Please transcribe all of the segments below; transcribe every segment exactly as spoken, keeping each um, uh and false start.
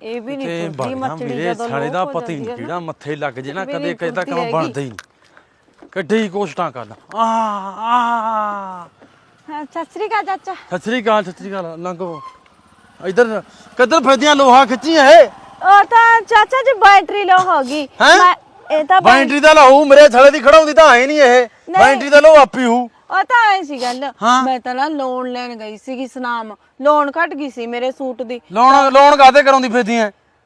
ਇਹ ਵੀ ਨਹੀਂ ਟੁੱਟਦੀ ਮੱਛੜੀ ਜਦੋਂ ਸਾਲੇ ਦਾ ਪਤਾ ਹੀ ਨਹੀਂ ਕਿਹੜਾ ਮੱਥੇ ਲੱਗ ਜੇ ਨਾ ਕਦੇ ਕਦੇ ਤਾਂ ਕੰਮ ਬਣਦਾ ਹੀ ਨਹੀਂ ਕੱਢੀ ਕੋਸ਼ਟਾਂ ਕਰ ਆ ਆ ਸਤਿ ਸ੍ਰੀ ਅਕਾਲ ਚਾਚਾ। ਸਤਿ ਸ੍ਰੀ ਅਕਾਲ ਸਤਿ ਸ੍ਰੀ ਅਕਾਲ ਲੰਘੋ ਇਧਰ ਕਿੱਧਰ ਫਿਰਦੀਆਂ ਲੋਹਾ ਖਿੱਚੀਆਂ ਏ ਉਹ ਤਾਂ ਚਾਚਾ ਜੀ ਬੈਟਰੀ ਲੋ ਹੋ ਗਈ ਇਹ ਤਾਂ ਬੈਟਰੀ ਦਾ ਲਾਹੂ ਮੇਰੇ ਥਲੇ ਦੀ ਖੜਾਉਂਦੀ ਤਾਂ ਹੈ ਨਹੀਂ ਇਹ ਬੈਟਰੀ ਦਾ ਲੋ ਆਪੀ ਹੂ ਉਹ ਤਾਂ ਐ ਸੀ ਗੱਲ ਮੈਂ ਤਾਂ ਨਾ ਲੋਨ ਲੈਣ ਗਈ ਸੀਗੀ ਸਨਾਮ ਲੋਨ ਘਟ ਗਈ ਸੀ ਮੇਰੇ ਸੂਟ ਦੀ ਲੋਨ ਲੋਨ ਕਾਦੇ ਕਰਾਉਂਦੀ ਫਿਰਦੀਆਂ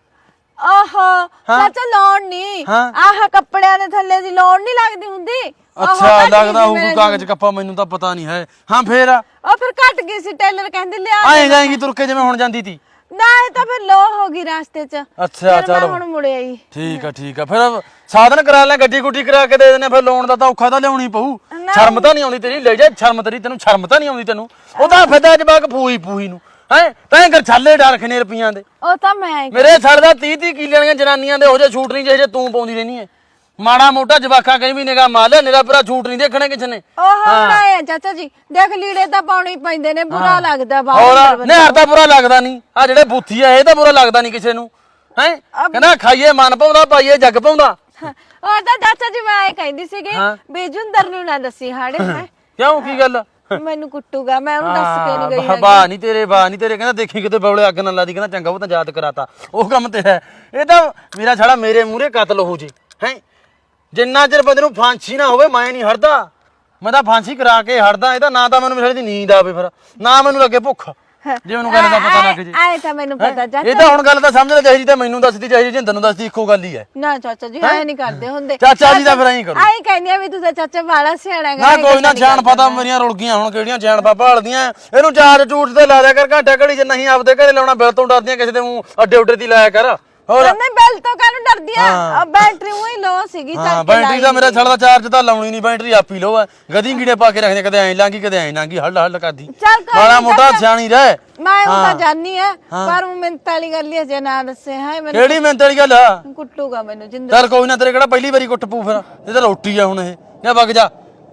ਆਹੋ ਚਾਚਾ ਲੋਨ ਨਹੀਂ ਆਹ ਕੱਪੜਿਆਂ ਦੇ ਥੱਲੇ ਦੀ ਲੋਨ ਨਹੀਂ ਲੱਗਦੀ ਹੁੰਦੀ ਅੱਛਾ ਲੱਗਦਾ ਹੋਊ ਕੋਈ ਕਾਗਜ਼ ਕੱਪਾ ਮੈਨੂੰ ਤਾਂ ਪਤਾ ਨਹੀਂ ਹੈ ਹਾਂ ਫੇਰ ਉਹ ਫਿਰ ਘਟ ਗਈ ਸੀ ਟੇਲਰ ਕਹਿੰਦੇ ਲਿਆ ਆਏ ਜਾਏਗੀ ਤੁਰ ਕੇ ਜਿਵੇਂ ਹੁਣ ਜਾਂਦੀ ਤੀ ਨਾ ਇਹ ਤਾਂ ਫਿਰ ਲੋ ਹੋ ਗਈ ਰਾਸਤੇ 'ਚ ਅੱਛਾ ਚਲੋ ਹੁਣ ਮੁੜੇ ਆਈ ਠੀਕ ਆ ਠੀਕ ਆ ਫਿਰ ਸਾਧਨ ਕਰਾ ਲੈ ਗੱਡੀ ਗੁੱਡੀ ਕਰਾ ਕੇ ਦੇ ਦੇਣੇ ਫਿਰ ਲੋਨ ਦਾ ਤਾਂ ਔਖਾ ਤਾਂ ਲਿਆਉਣੀ ਪਊ ਸ਼ਰਮ ਤਾਂ ਨਹੀਂ ਆਉਂਦੀ ਤੇਰੀ ਲੈ ਜਾ ਸ਼ਰਮ ਤੇਰੀ ਤੈਨੂੰ ਸ਼ਰਮ ਤਾਂ ਨਹੀਂ ਆਉਂਦੀ ਤੈਨੂੰ ਉਹ ਤਾਂ ਫਿਰਦਾ ਜਵਾਕ ਪੂਈ ਪੂਈ ਨੂੰ ਹੈ ਤੈਂ ਕਰ ਛਾਲੇ ਡਰ ਖਨੇ ਰੁਪਈਆਂ ਦੇ ਉਹ ਤਾਂ ਮੈਂ ਮੇਰੇ ਛੜ ਦਾ ਤੀਹ ਤੀਹ ਕਿੱਲਿਆਂ ਦੀਆਂ ਜਨਾਨੀਆਂ ਦੇ ਉਹ ਜੇ ਛੂਟ ਨਹੀਂ ਜਿਹੇ ਤੂੰ ਪਾਉਂਦੀ ਰਹਿਨੀ ਹੈ ਮਾੜਾ ਮੋਟਾ ਜਵਾਕਾਂ ਕਹੀਂ ਵੀ ਨਿਗਾ ਮਾਰ ਲੈ ਨਿਰਾ ਪੂਰਾ ਛੂਟ ਨਹੀਂ ਦੇਖਣੇ ਕਿਸੇ ਨੇ ਉਹ ਹਾਂ ਚਾਚਾ ਜੀ ਦੇਖ ਲੀੜੇ ਤਾਂ ਪਾਉਣੇ ਹੀ ਪੈਂਦੇ ਨੇ ਬੁਰਾ ਲੱਗਦਾ ਬਾਹਰ ਨਿਹਾਰ ਤਾਂ ਬੁਰਾ ਲੱਗਦਾ ਨਹੀਂ ਆ ਜਿਹੜੇ ਬੁੱਥੀ ਆ ਇਹ ਤਾਂ ਬੁਰਾ ਲੱਗਦਾ ਨਹੀਂ ਕਿਸੇ ਨੂੰ ਹੈ ਕਹਿੰਦਾ ਖਾਈਏ ਮਨ ਪਾਉਂਦਾ ਪਾਈਏ ਜੱਗ ਪਾਉਂਦਾ ਉਹ ਤਾਂ ਚਾਚਾ ਜੀ ਮੈਂ ਕਹਿੰਦੀ ਸੀਗੀ ਬੇਜੁੰਦਰ ਨੂੰ ਨਾ ਦੱਸੀ ਹਾੜੇ ਹੈ ਕਿਉਂ ਕੀ ਗੱਲ ਮੈਨੂੰ ਕੁੱਟੂਗਾ ਮੈਂ ਉਹਨੂੰ ਦੱਸ ਕੇ ਨਹੀਂ ਗਈ ਵਾਹ ਨਹੀਂ ਤੇਰੇ ਵਾਹ ਨਹੀਂ ਤੇਰੇ ਕਹਿੰਦਾ ਦੇਖੀ ਕਿਤੇ ਬੌਲੇ ਅੱਗ ਨਾ ਲਾਦੀ ਕਹਿੰਦਾ ਚੰਗਾ ਉਹ ਤਾਂ ਯਾਦ ਕਰਾਤਾ ਉਹ ਕੰਮ ਤੇ ਹੈ ਇਹ ਤਾਂ ਮੇਰਾ ਛੜਾ ਮੇਰੇ ਮੂਹਰੇ ਕਤਲ ਹੋ ਜੇ ਹੈ ਜਿੰਨਾ ਚਿਰ ਬੰਦੇ ਨੂੰ ਫਾਂਸੀ ਨਾ ਹੋਵੇ ਮੈਂ ਨਹੀਂ ਹਟਦਾ ਮੈਂ ਤਾਂ ਫਾਂਸੀ ਕਰਾ ਕੇ ਹਟਦਾ ਇਹ ਤਾਂ ਨਾ ਤਾਂ ਮੈਨੂੰ ਵਿਚਾਰੇ ਦੀ ਨੀਂਦ ਆਵੇ ਫਿਰ ਨਾ ਮੈਨੂੰ ਲੱਗੇ ਭੁੱਖ ਜੇ ਮੈਨੂੰ ਗੱਲ ਦਾ ਪਤਾ ਲੱਗ ਜੇ ਆਏ ਤਾਂ ਮੈਨੂੰ ਪਤਾ ਚਾਚਾ ਇਹ ਤਾਂ ਹੁਣ ਗੱਲ ਤਾਂ ਸਮਝ ਲੈ ਚਾਹੀਦੀ ਤਾਂ ਮੈਨੂੰ ਦੱਸਦੀ ਚਾਹੀਦੀ ਜਿੰਦਰ ਨੂੰ ਦੱਸਦੀ ਇੱਕੋ ਗੱਲ ਹੀ ਹੈ ਨਾ ਚਾਚਾ ਜੀ ਐ ਨਹੀਂ ਕਰਦੇ ਹੁੰਦੇ ਚਾਚਾ ਜੀ ਦਾ ਫਿਰ ਐਂ ਕਰੋ ਐਂ ਕਹਿੰਦੀ ਆ ਵੀ ਤੂੰ ਤਾਂ ਚਾਚਾ ਵਾਲਾ ਸਿਆਣਾ ਨਾ ਕੋਈ ਨਾ ਜਾਣ ਪਤਾ ਮੇਰੀਆਂ ਰੁਲ ਗਈਆਂ ਹੁਣ ਕਿਹੜੀਆਂ ਜਾਣ ਪਾ ਭਾਲਦੀਆਂ ਇਹਨੂੰ ਚਾਰ ਝੂਠ ਤੇ ਲਾ ਦਿਆ ਕਰ ਘੰਟਾ ਘੜੀ ਜੇ ਨਹੀਂ ਆਪਦੇ ਘਰੇ ਲਾਉਣਾ ਬਿਲ ਤੋਂ ਡਰਦੀਆਂ ਕਿਸੇ ਦੇ ਮੂੰਹ ਅੱਡੇ ਉੱਡੇ ਦੀ ਲਾਇਆ ਕਰ ਹੋਰ ਨਹੀਂ ਬੈਲ ਤੋਂ ਕਾਹਨੂੰ ਡਰਦੀ ਆ ਬੈਟਰੀ ਉਹੀ ਲੋ ਸੀਗੀ ਚੱਲ ਹਾਂ ਬੈਟਰੀ ਦਾ ਮੇਰਾ ਛੜਦਾ ਚਾਰਜ ਤਾਂ ਲਾਉਣੀ ਨਹੀਂ ਬੈਟਰੀ ਆਪੀ ਲੋ ਹੈ ਗਦੀ ਗੀੜੇ ਪਾ ਕੇ ਰੱਖਦੇ ਕਦੇ ਐਂ ਲਾਂਗੀ ਕਦੇ ਐਂ ਲਾਂਗੀ ਹੱਲ ਹੱਲ ਕਰਦੀ ਮਾੜਾ ਮੋਟਾ ਸਿਆਣੀ ਰਹਿ ਮੈਂ ਉਹ ਤਾਂ ਜਾਨੀ ਆ ਪਰ ਉਹ ਮਿੰਤ ਵਾਲੀ ਗੱਲ ਹੀ ਜੇ ਨਾ ਦੱਸੇ ਹੈ ਮੈਨੂੰ ਕਿਹੜੀ ਮਿੰਤ ਵਾਲੀ ਗੱਲ ਆ ਕੁੱਟੂਗਾ ਮੈਨੂੰ ਜਿੰਦਰ ਚੱਲ ਕੋਈ ਨਾ ਤੇਰੇ ਕਿਹੜਾ ਪਹਿਲੀ ਵਾਰੀ ਕੁੱਟ ਪੂ ਫਿਰ ਇਹ ਤਾਂ ਰੋਟੀ ਆ ਹੁਣ ਇਹ ਜਾਂ ਵਗ ਜਾ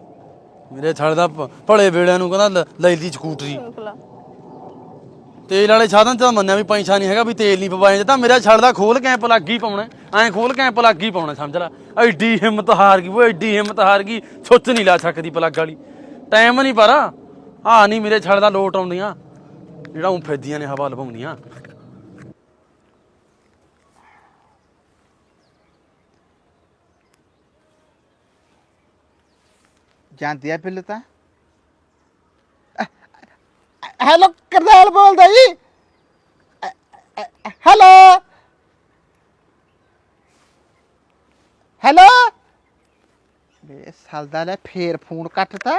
ਮੇਰੇ ਛੜਦਾ ਭਲੇ ਵੇਲਿਆਂ ਨੂੰ ਕਹਿੰਦਾ ਲੈ ਲਈ ਸਕੂਟਰੀ ਤੇਲ ਵਾਲੇ ਸਾਧਨ ਚ ਮੰਨਿਆ ਵੀ ਪੈਸਾ ਨਹੀਂ ਹੈਗਾ ਵੀ ਤੇਲ ਨਹੀਂ ਪਵਾਏ ਤਾਂ ਮੇਰਾ ਛੜਦਾ ਖੋਲ ਕੇ ਪਲੱਗ ਹੀ ਪਾਉਣਾ ਐਂ ਖੋਲ ਕੇ ਪਲੱਗ ਹੀ ਪਾਉਣਾ ਸਮਝ ਲੈ ਐਡੀ ਹਿੰਮਤ ਹਾਰ ਗਈ ਉਹ ਐਡੀ ਹਿੰਮਤ ਹਾਰ ਗਈ ਸੁੱਚ ਨਹੀਂ ਲਾ ਸਕਦੀ ਪਲੱਗ ਵਾਲੀ ਟਾਈਮ ਨਹੀਂ ਪਰ ਆ ਨਹੀਂ ਮੇਰੇ ਛੜਦਾ ਲੋਟ ਆਉਂਦੀਆਂ ਜਿਹੜਾ ਉਹ ਫੇਦੀਆਂ ਨੇ ਹਵਾ ਲਵਾਉਂਦੀਆਂ ਜਾਂਦੀ ਆ ਬਿੱਲ ਤਾਂ ਹੈਲੋ ਕਰਦਾਲ ਬੋਲਦਾ ਜੀ ਹੈਲੋ ਹੈਲੋ ਬੇ ਸਾਲਦਾ ਲੈ ਫੇਰ ਫੋਨ ਕੱਟਤਾ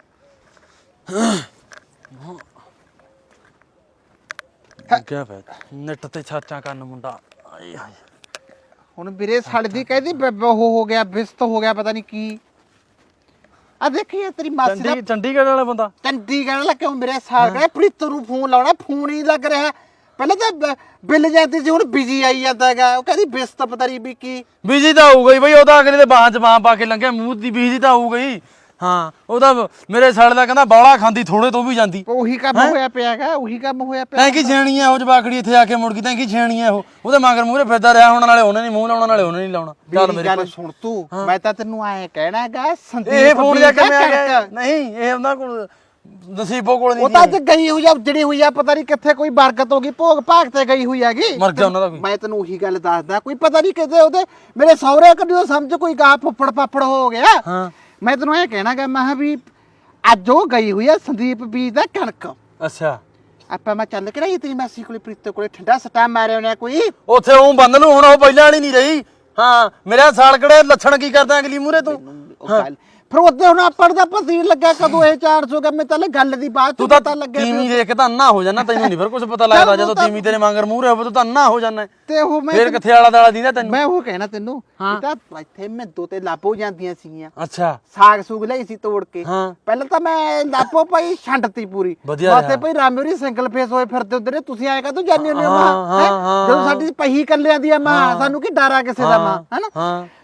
ਕਿਆ ਫਾਇਦਾ ਨੈਟ ਤੇ ਛਾਚਾਂ ਕਰਨ ਮੁੰਡਾ ਆਏ ਹਾਏ ਹੁਣ ਵੀਰੇ ਸੜਦੀ ਕਹਿੰਦੀ ਉਹ ਹੋ ਗਿਆ ਬਿਸਤ ਹੋ ਗਿਆ ਪਤਾ ਨਹੀਂ ਕੀ ਆ ਦੇਖੀ ਤੇਰੀ ਮਾਸੀ ਦਾ ਚੰਡੀਗੜ੍ਹ ਵਾਲਾ ਬੰਦਾ ਚੰਡੀਗੜ੍ਹ ਵਾਲਾ ਕਿਉਂ ਮੇਰੇ ਸਾਲ ਕਹਿੰਦਾ ਪ੍ਰੀਤ ਨੂੰ ਫੋਨ ਲਾਉਣਾ ਫੋਨ ਹੀ ਲੱਗ ਰਿਹਾ ਪਹਿਲਾਂ ਤਾਂ ਬਿੱਲ ਜਾਂਦੀ ਸੀ ਹੁਣ ਬਿਜੀ ਆਈ ਜਾਂਦਾ ਹੈਗਾ ਉਹ ਕਹਿੰਦੀ ਬਿਸਤ ਪਤਾ ਨਹੀਂ ਵੀ ਕੀ ਬਿਜੀ ਤਾਂ ਹੋਊਗਾ ਹੀ ਬਈ ਉਹ ਤਾਂ ਅਗਲੇ ਦੇ ਬਾਹਾਂ 'ਚ ਬਾਹਾਂ ਪਾ ਕੇ ਲੰਘਿਆ ਮੂੰਹ ਦੀ ਬਿਜੀ ਤਾਂ ਹੋਊਗਾ ਹੀ ਹਾਂ ਉਹਦਾ ਮੇਰੇ ਸਾਲ ਦਾ ਕਹਿੰਦਾ ਬਾਲਾ ਖਾਂਦੀ ਥੋੜੇ ਤੋਂ ਵੀ ਜਾਂਦੀ ਉਹੀ ਕੰਮ ਹੋਇਆ ਪਿਆਗਾ ਉਹੀ ਕੰਮ ਹੋਇਆ ਪਿਆ ਤੈਂ ਕੀ ਛੇਣੀ ਆ ਉਹ ਜਵਾਕੜੀ ਇੱਥੇ ਆ ਕੇ ਮੁੜ ਗਈ ਤੈਂ ਕੀ ਛੇਣੀ ਆ ਉਹ ਉਹਦੇ ਮਗਰ ਮੂਹਰੇ ਫਿਰਦਾ ਰਿਹਾ ਹੁਣ ਨਾਲੇ ਉਹਨੇ ਨਹੀਂ ਮੂੰਹ ਲਾਉਣਾ ਨਾਲੇ ਉਹਨੇ ਨਹੀਂ ਲਾਉਣਾ ਚੱਲ ਮੇਰੀ ਗੱਲ ਸੁਣ ਤੂੰ ਮੈਂ ਤਾਂ ਤੈਨੂੰ ਐਂ ਕਹਿਣਾ ਹੈਗਾ ਸੰਦੀਪ ਇਹ ਫੋਨ ਜਾ ਕੇ ਮੈਂ ਗਿਆ ਨਹੀਂ ਇਹ ਉਹਨਾਂ ਕੋਲ ਨਸੀਬੋ ਕੋਲ ਨਹੀਂ ਉਹ ਤਾਂ ਅੱਜ ਗਈ ਹੋਈ ਆ ਜਿਹੜੀ ਹੋਈ ਆ ਪਤਾ ਨਹੀਂ ਕਿੱਥੇ ਕੋਈ ਬਰਕਤ ਹੋ ਗਈ ਭੋਗ ਭਾਗ ਤੇ ਗਈ ਹੋਈ ਹੈਗੀ ਮਰ ਗਿਆ ਉਹਨਾਂ ਦਾ ਕੋਈ ਮੈਂ ਤੈਨੂੰ ਉਹੀ ਗੱਲ ਦੱਸਦਾ ਕੋਈ ਪਤਾ ਨਹੀਂ ਕਿਤੇ ਉਹਦੇ ਮੇਰੇ ਸਹੁਰੇ ਕਦੇ ਸਮਝ ਕੋਈ ਗਾ ਫੁੱਫੜ ਪਾਪੜ ਹੋ ਗਿਆ ਹਾਂ ਮੈਂ ਤੈਨੂੰ ਇਹ ਕਹਿਣਾਗਾ ਮੈਂ ਵੀ ਅੱਜ ਉਹ ਗਈ ਹੋਈ ਆ ਸੰਦੀਪ ਬੀਜ ਦਾ ਕਣਕ ਅੱਛਾ ਆਪਾਂ ਮੈਂ ਚੱਲ ਕੇ ਰਹੀ ਤੇਰੀ ਮਾਸੀ ਕੋਲੇ ਪ੍ਰੀਤ ਕੋਲੇ ਠੰਡਾ ਸਟਾ ਮਾਰਿਆ ਉਹਨੇ ਕੋਈ ਉੱਥੇ ਉਹ ਬੰਦ ਨੂੰ ਹੁਣ ਉਹ ਪਹਿਲਾਂ ਵਾਲੀ ਨਹੀਂ ਰਹੀ ਹਾਂ ਮੇਰਾ ਸਾਲ ਕਿਹੜੇ ਲੱਛਣ ਕੀ ਕਰਦਾ ਅਗਲੀ ਮੂਹਰੇ ਤੂੰ ਫਿਰ ਉਹਦੇ ਹੁਣ ਆਪਾਂ ਦਾ ਪਤਾ ਨਹੀਂ ਲੱਗਾ ਕਦੋਂ ਇਹ ਚਾਰ ਸੌ ਗਏ ਤਾਂ ਗੱਲ ਦੀ ਬਾਤ ਤੂੰ ਤਾਂ ਤੀਵੀਂ ਦੇਖ ਕੇ ਤਾਂ ਅੰਨਾ ਹੋ ਜਾਣਾ ਤੈਨੂੰ ਨਹੀਂ ਫਿਰ ਕੁਝ ਪਤਾ ਲੱਗਦਾ ਜਦੋਂ ਤੀਵੀਂ ਤੇਰੇ ਮਗਰ ਮੂਹਰੇ ਹੋਵੇ ਤੂੰ ਤਾਂ ਅੰਨਾ ਹੋ ਜਾਣਾ ਤੇ ਉਹ ਮੈਂ ਫਿਰ ਕਿੱਥੇ ਆਲਾ ਦਾਲਾ ਦੀਦਾ ਤੈਨੂੰ ਮੈਂ ਉਹ ਕਹਿਣਾ ਤੈਨੂੰ ਇਹ ਤਾਂ ਇੱਥੇ ਮੈਂ ਦੋ ਤੇ ਲਾਪੋ ਜਾਂਦੀਆਂ ਸੀਗੀਆਂ ਅੱਛਾ ਸਾਗ ਸੂਗ ਲਈ ਸੀ ਤੋੜ ਕੇ ਹਾਂ ਪਹਿਲਾਂ ਤਾਂ ਮੈਂ ਲਾਪੋ ਪਾਈ ਛੰਡਤੀ ਪੂਰੀ ਵਾਸਤੇ ਭਾਈ ਰਾਮੇਰੀ ਸਿੰਗਲ ਫੇਸ ਹੋਏ ਫਿਰਦੇ ਉਧਰ ਤੁਸੀਂ ਆਏਗਾ ਤੂੰ ਜਾਣੀ ਹੁੰਦੇ ਮਾਂ ਜਦੋਂ ਸਾਡੀ ਪਹੀ ਕੱਲਿਆਂ ਦੀ ਆ ਮਾਂ ਸਾਨੂੰ ਕੀ ਡਰ ਆ ਕਿਸੇ ਦਾ ਮਾਂ ਹੈਨਾ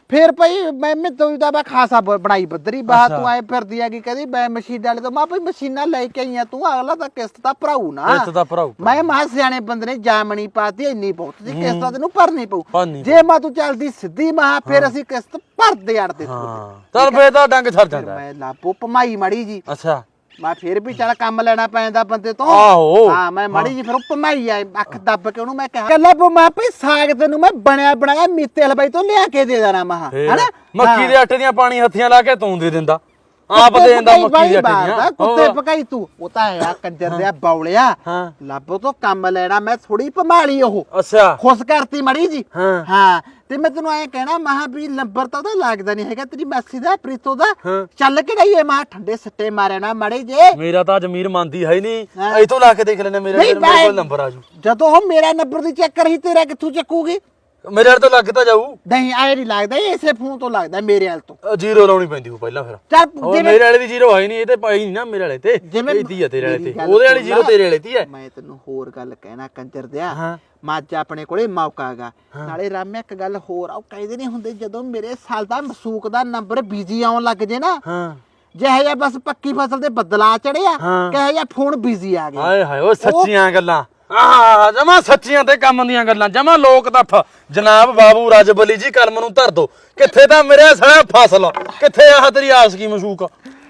ਫੇਰ ਭਾਈ ਮੈਂ ਮੈਂ ਤੂੰ ਦਾ ਮੈਂ ਖਾਸਾ ਬ- ਬਣਾਈ ਬੱਦਰੀ ਬਾਹ ਤੂੰ ਐ ਫਿਰਦੀ ਹੈਗੀ ਕਹਿੰਦੀ ਮੈਂ ਮਸ਼ੀਨ ਵਾਲੇ ਤੋਂ ਮੈਂ ਭਾਈ ਮਸ਼ੀਨਾਂ ਲੈ ਕੇ ਆਈਆਂ ਤੂੰ ਅਗਲਾ ਤਾਂ ਕਿਸ਼ਤ ਤਾਂ ਭਰਾਊ ਨਾ ਕਿਸ਼ਤ ਤਾਂ ਭਰਾਊ। ਮੈਂ ਮਾ ਸਿਆਣੇ ਬੰਦੇ ਨੇ ਜਾਮਣੀ ਪਾਤੀ ਇੰਨੀ ਬਹੁਤ ਸੀ ਕਿਸ਼ਤ ਤਾਂ ਤੈਨੂੰ ਭਰਨੀ ਪਊ ਭਰਨੀ ਜੇ ਮੈਂ ਤੂੰ ਚੱਲਦੀ ਸਿੱਧੀ ਮਾ ਫਿਰ ਅਸੀਂ ਕਿਸ਼ਤ ਭਰਦੇ ਅੜਦੇ ਹਾਂ ਚੱਲ ਫੇਰ ਤਾਂ ਡੰਗ ਛੱਡ ਜਾਂਦਾ ਮੈਂ ਲਾਪੋ ਭਮਾਈ ਮੜੀ ਜੀ ਅੱਛਾ ਮੈਂ ਫਿਰ ਵੀ ਚੱਲ ਕੰਮ ਲੈਣਾ ਪੈਂਦਾ ਬੰਦੇ ਤੋਂ ਆਹੋ ਹਾਂ ਮੈਂ ਮਾੜੀ ਜੀ ਫਿਰ ਉਹ ਭਮਾਈ ਆ ਅੱਖ ਦੱਬ ਕੇ ਉਹਨੂੰ ਮੈਂ ਕਿਹਾ ਕੱਲਾ ਮੈਂ ਭਈ ਸਾਗ ਤੈਨੂੰ ਮੈਂ ਬਣਿਆ ਬਣਾਇਆ ਮੀਤੇ ਹਲਵਾਈ ਤੋਂ ਲਿਆ ਕੇ ਦੇ ਦੇਣਾ ਮਹਾ ਹਨਾ ਮੱਕੀ ਦੇ ਆਟੇ ਦੀਆਂ ਪਾਣੀ ਹੱਥੀਆਂ ਲਾ ਕੇ ਤੂੰ ਦੇ ਦਿੰਦਾ ਆਪ ਦੇ ਦਿੰਦਾ ਮੱਕੀ ਦੇ ਆਟੇ ਦੀਆਂ ਕੁੱਤੇ ਪਕਾਈ ਤੂੰ ਉਹ ਤਾਂ ਆ ਕੰਜਰ ਦੇ ਬੌਲਿਆ ਹਾਂ ਲੱਭੋ ਤੋਂ ਕੰਮ ਲੈਣਾ ਮੈਂ ਥੋੜੀ ਭਮਾਲੀ ਉਹ ਅੱਛਾ ਖੁਸ਼ ਕਰਤੀ ਮੜੀ ਜੀ ਹਾਂ ਹਾਂ ਤੇ ਮੈਂ ਤੈਨੂੰ ਐ ਕਹਿਣਾ ਮਹਾ ਵੀ ਨੰਬਰ ਤਾਂ ਉਹਦਾ ਲੱਗਦਾ ਨਹੀਂ ਹੈਗਾ ਤੇਰੀ ਮਾਸੀ ਦਾ ਪ੍ਰੀਤੋ ਦਾ ਚੱਲ ਕੇ ਡਈਏ ਮਹਾ ਠੰਡੇ ਸੱਟੇ ਮਾਰੇ ਨਾ ਮੜੇ ਜੇ ਮੇਰਾ ਤਾਂ ਜ਼ਮੀਰ ਮੰਨਦੀ ਹੈ ਹੀ ਨਹੀਂ ਐ ਤੋਂ ਲਾ ਕੇ ਦੇਖ ਲੈਣੇ ਮੇਰਾ ਮੇਰੇ ਕੋਲ ਨੰਬਰ ਆ ਜੂ ਜਦੋਂ ਉਹ ਮੇਰਾ ਨੰਬਰ ਦੀ ਚੈੱਕ ਕਰੀ ਤੇਰਾ ਕਿੱਥੋਂ ਚੱਕੂਗੀ ਮੇਰੇ ਵਾਲ ਤੋਂ ਲੱਗ ਤਾਂ ਜਾਊ ਨਹੀਂ ਆਏ ਨਹੀਂ ਲੱਗਦਾ ਇਹ ਇਸੇ ਫੋਨ ਤੋਂ ਲੱਗਦਾ ਮੇਰੇ ਵਾਲ ਤੋਂ ਜ਼ੀਰੋ ਲਾਉਣੀ ਪੈਂਦੀ ਉਹ ਪਹਿਲਾਂ ਫਿਰ ਚੱਲ ਉਹ ਮੇਰੇ ਵਾਲੇ ਦੀ ਜ਼ੀਰੋ ਹੈ ਨਹੀਂ ਇਹ ਤੇ ਪਾਈ ਨਹੀਂ ਨਾ ਮੇਰੇ ਵਾਲੇ ਤੇ ਇਹਦੀ ਆ ਤੇਰੇ ਵਾਲੇ ਤੇ ਉਹਦੇ ਵਾਲੀ ਜ਼ੀਰੋ ਤੇਰੇ ਵਾਲੇ ਦੀ ਹੈ ਮੈਂ ਤੈਨੂੰ ਹੋਰ ਗੱਲ ਕਹਿਣਾ ਕੰਜਰ ਦਿਆ ਮੱਝ ਆਪਣੇ ਕੋਲੇ ਮੌਕਾ ਹੈਗਾ ਨਾਲੇ ਰਾਮਿਆ ਇੱਕ ਗੱਲ ਹੋਰ ਆ ਉਹ ਕਹਿੰਦੇ ਨਹੀਂ ਹੁੰਦੇ ਜਦੋਂ ਮੇਰੇ ਸਾਲ ਦਾ ਮਸੂਕ ਦਾ ਨੰਬਰ ਬਿਜ਼ੀ ਆਉਣ ਲੱਗ ਜੇ ਨਾ ਹਾਂ ਜਿਹੇ ਜਿਹਾ ਬਸ ਪੱਕੀ ਫਸਲ ਤੇ ਬੱਦਲਾ ਚੜਿਆ ਕਹੇ ਜਿਹਾ ਫੋਨ ਬਿਜ਼ੀ ਆ ਗਿਆ ਹਾਏ ਹਾਏ ਉਹ ਸੱਚੀਆਂ ਗੱਲਾਂ ਆਹ ਜਮਾ ਸੱਚੀਆਂ ਤੇ ਕੰਮ ਦੀਆਂ ਗੱਲਾਂ ਜਮਾ ਲੋਕ ਤੱਫ ਜਨਾਬ ਬਾਬੂ ਰਜਬਲੀ ਜੀ ਕਲਮ ਨੂੰ ਧਰ ਦੋ ਕਿੱਥੇ ਤਾਂ ਮੇਰੇ ਸਾਲਾ ਫਸਲ ਕਿੱਥੇ ਆਹ ਤੇਰੀ ਆਸ ਕੀ ਮਸ਼ੂਕ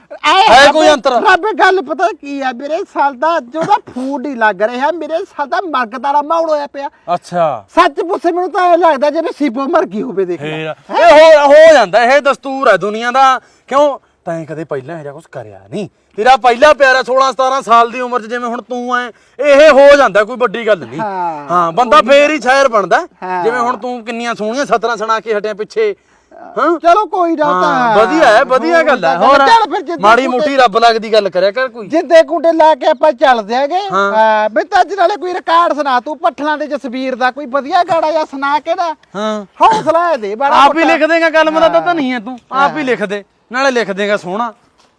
ਹੈ ਕੋਈ ਅੰਤਰ ਰੱਬ ਗੱਲ ਪਤਾ ਕੀ ਆ ਮੇਰੇ ਸਾਲ ਦਾ ਜਿਹਦਾ ਫੂਡ ਹੀ ਲੱਗ ਰਿਹਾ ਮੇਰੇ ਸਾਲ ਦਾ ਮਰਗਦਾਰਾ ਮਾਹੌਲ ਹੋਇਆ ਪਿਆ ਅੱਛਾ ਸੱਚ ਪੁੱਛੇ ਮੈਨੂੰ ਤਾਂ ਇਹ ਲੱਗਦਾ ਜਿਵੇਂ ਸੀਪੋ ਮਰ ਗਈ ਹੋਵੇ ਦੇਖ ਲੈ ਇਹ ਹੋ ਹੋ ਜਾਂਦਾ ਇਹ ਦਸਤੂਰ ਹੈ ਦੁਨੀਆ ਦਾ ਕਿਉਂ ਤੈਂ ਕਦੇ ਪਹਿਲਾਂ ਇਹੋ ਜਿਹਾ ਕੁਝ ਕਰਿਆ ਨਹੀਂ ਤੇਰਾ ਪਹਿਲਾ ਪਿਆਰਾ ਸੋਲਾਂ ਸਤਾਰਾਂ ਸਾਲ ਦੀ ਉਮਰ 'ਚ ਜਿਵੇਂ ਹੁਣ ਤੂੰ ਐ ਇਹ ਹੋ ਜਾਂਦਾ ਕੋਈ ਵੱਡੀ ਗੱਲ ਨਹੀਂ ਹਾਂ ਬੰਦਾ ਫੇਰ ਹੀ ਸ਼ਾਇਰ ਬਣਦਾ ਜਿਵੇਂ ਹੁਣ ਤੂੰ ਕਿੰਨੀਆਂ ਸੋਹਣੀਆਂ ਸਤਰਾਂ ਸੁਣਾ ਕੇ ਹਟਿਆ ਪਿੱਛੇ ਹਾਂ ਚਲੋ ਕੋਈ ਨਾ ਤਾਂ ਵਧੀਆ ਹੈ ਵਧੀਆ ਗੱਲ ਹੈ ਹੋਰ ਮਾੜੀ ਮੋਟੀ ਰੱਬ ਲੱਗਦੀ ਗੱਲ ਕਰਿਆ ਕਰ ਕੋਈ ਜਿੱਦੇ ਕੁੰਡੇ ਲਾ ਕੇ ਆਪਾਂ ਚੱਲਦੇ ਆਗੇ ਹਾਂ ਬਈ ਤਾਂ ਅੱਜ ਨਾਲੇ ਕੋਈ ਰਿਕਾਰਡ ਸੁਣਾ ਤੂੰ ਪੱਠਲਾਂ ਦੇ ਜਸਵੀਰ ਦਾ ਕੋਈ ਵਧੀਆ ਗਾਣਾ ਜਾਂ ਸੁਣਾ ਕੇ ਨਾ ਹਾਂ ਹੌਸਲਾ ਦੇ ਬੜਾ ਆਪ ਹੀ ਲਿਖ ਦੇਗਾ ਕਲਮ ਦਾ ਤਾਂ ਨਹੀਂ ਹੈ ਤੂੰ ਆਪ ਹੀ ਲਿਖ ਦੇ ਨਾਲੇ ਲਿਖ ਦੇਗਾ ਸੋਹਣਾ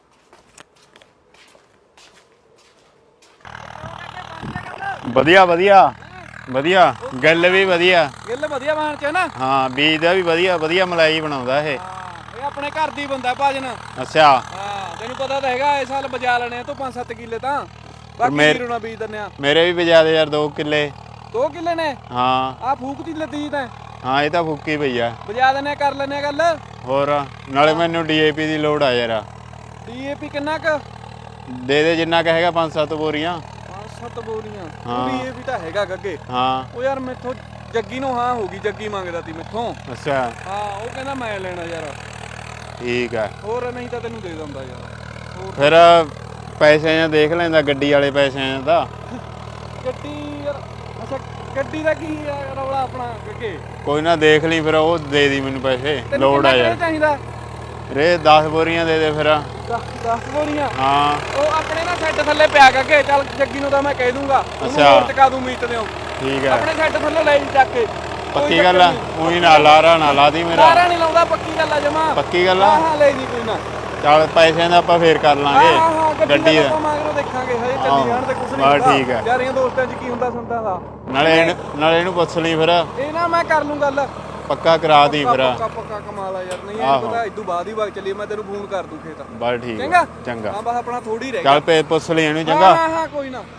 ਵਧੀਆ ਵਧੀਆ ਵਧੀਆ ਗੱਲ ਵੀ ਵਧੀਆ ਗਿੱਲ ਵਧੀਆ ਬਣ ਚ ਨਾ ਹਾਂ ਬੀਜ ਦਾ ਵੀ ਵਧੀਆ ਵਧੀਆ ਮਲਾਈ ਬਣਾਉਂਦਾ ਇਹ ਇਹ ਆਪਣੇ ਘਰ ਦੀ ਬੰਦਾ ਭਾਜਨ ਅੱਛਾ ਹਾਂ ਤੈਨੂੰ ਪਤਾ ਤਾਂ ਹੈਗਾ ਇਸ ਸਾਲ ਬਜਾ ਲੈਣੇ ਤੂੰ ਪੰਜ ਸੱਤ ਕਿੱਲੇ ਤਾਂ ਬਾਕੀ ਵੀਰੋਂ ਨਾ ਬੀਜ ਦਿੰਨੇ ਆ ਮੇਰੇ ਵੀ ਬਜਾ ਦੇ ਯਾਰ ਦੋ ਕਿੱਲੇ ਦੋ ਕਿੱਲੇ ਨੇ ਹਾਂ ਆ ਫੂਕ ਦੀ ਲੱਦੀ ਤਾਂ ਹਾਂ ਇਹ ਤਾਂ ਫੁੱਕੀ ਪਈ ਆ ਬਜਾ ਦਿੰਨੇ ਕਰ ਲੈਨੇ ਗੱਲ ਹੋਰ ਨਾਲੇ ਮੈਨੂੰ ਡੀਏਪੀ ਦੀ ਲੋੜ ਆ ਯਾਰ ਡੀਏਪੀ ਕਿੰਨਾ ਕ ਦੇ ਦੇ ਜਿੰਨਾ ਕਹੇਗਾ ਪੰਜ ਸੱਤ ਬੋਰੀਆਂ ਪੰਜ ਸੱਤ ਬੋਰੀਆਂ ਡੀਏਪੀ ਤਾਂ ਹੈਗਾ ਗੱਗੇ ਹਾਂ ਉਹ ਯਾਰ ਮੈਥੋਂ ਜੱਗੀ ਨੂੰ ਹਾਂ ਹੋ ਗਈ ਜੱਗੀ ਮੰਗਦਾ ਤੀ ਮੈਥੋਂ ਅੱਛਾ ਹਾਂ ਉਹ ਕਹਿੰਦਾ ਮੈਂ ਲੈਣਾ ਯਾਰ ਠੀਕ ਆ ਹੋਰ ਨਹੀਂ ਤਾਂ ਤੈਨੂੰ ਦੇ ਦਿੰਦਾ ਯਾਰ ਫਿਰ ਪੈਸੇ ਜਾਂ ਦੇਖ ਲੈਂਦਾ ਗੱਡੀ ਵਾਲੇ ਪੈਸੇ ਦਾ ਗੱਡੀ ਯਾਰ ਅੱਛਾ ਗੱਡੀ ਦਾ ਕੀ ਆ ਰੌਲਾ ਆਪਣਾ ਗੱਗੇ ਕੋਈ ਨਾ ਦੇਖ ਲਈ ਫਿਰ ਉਹ ਦੇ ਦੀ ਮੈਨੂੰ ਪੈਸੇ ਲੋੜ ਆ ਯਾਰ ਚਾਹੀਦਾ ਰੇ ਦਸ ਬੋਰੀਆਂ ਦੇ ਦੇ ਫਿਰ ਦਸ ਬੋਰੀਆਂ ਹਾਂ ਉਹ ਆਪਣੇ ਨਾ ਸੈੱਟ ਥੱਲੇ ਪਿਆ ਕਰਕੇ ਚੱਲ ਜੱਗੀ ਨੂੰ ਤਾਂ ਮੈਂ ਕਹਿ ਦੂੰਗਾ ਉਹਨੂੰ ਹੋਰ ਚਕਾ ਦੂੰ ਮੀਤ ਦਿਓ ਠੀਕ ਆ ਆਪਣੇ ਸੈੱਟ ਥੱਲੇ ਲੈ ਚੱਕ ਕੇ ਪੱਕੀ ਗੱਲ ਆ ਉਹੀ ਨਾ ਲਾਰਾ ਨਾ ਲਾ ਦੀ ਮੇਰਾ ਲਾਰਾ ਨਹੀਂ ਲਾਉਂਦਾ ਪੱਕੀ ਗੱਲ ਆ ਜਮਾ ਪੱਕੀ ਗੱਲ ਆ ਹਾਂ ਹਾਂ ਲੈ ਜੀ ਕੋਈ ਨਾ ਚੱਲ ਪੈਸਿਆਂ ਦਾ ਆਪਾਂ ਫੇਰ ਕਰ ਲਾਂਗੇ ਗੱਡੀ ਦਾ ਮਾਗਰੋਂ ਦੇਖਾਂਗੇ ਹਜੇ ਚੱਲੀ ਜਾਣ ਤੇ ਕੁਛ ਨਹੀਂ ਬਸ ਠੀਕ ਆ ਯਾਰੀਆਂ ਦੋਸਤਾਂ 'ਚ ਕੀ ਹੁੰਦਾ ਸੰਤਾਂ ਦਾ ਨਾਲੇ ਇਹਨੂੰ ਨਾਲੇ ਇਹਨੂੰ ਪੁੱਛ ਲਈ ਫਿਰ ਇਹ ਨਾ ਮੈਂ ਕਰ ਲੂੰ ਗੱਲ ਪੱਕਾ ਕਰਾ ਦੀ ਫਿਰ ਪੱਕਾ ਪੱਕਾ ਕਮਾਲ ਆ ਯਾਰ ਨਹੀਂ ਇਹ ਪਤਾ ਇਦੋਂ ਬਾਅਦ ਹੀ ਵਗ ਚੱਲੀ ਮੈਂ ਤੈਨੂੰ ਫੋਨ ਕਰ ਦੂੰ ਖੇਤ ਬਸ ਠੀਕ ਚੰਗਾ ਚੰਗਾ ਹਾਂ ਬਸ ਆਪਣਾ ਥੋੜੀ ਰਹਿ ਚੱਲ ਪੇ ਪੁੱਛ ਲਈ ਇਹਨੂੰ ਚੰਗਾ ਹਾਂ ਹਾਂ ਕੋਈ ਨਾ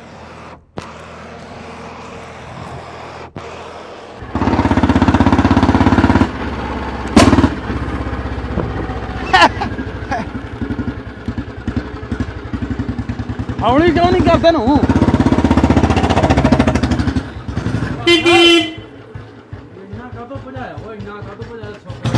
ਹੌਲੀ ਕਿਉਂ ਨਹੀਂ ਕਰਦੇ ਨੂੰ ਇੰਨਾ ਕਦੋਂ ਭਜਾਇਆ ਓਏ ਇੰਨਾ ਕਦੋਂ ਭਜਾਇਆ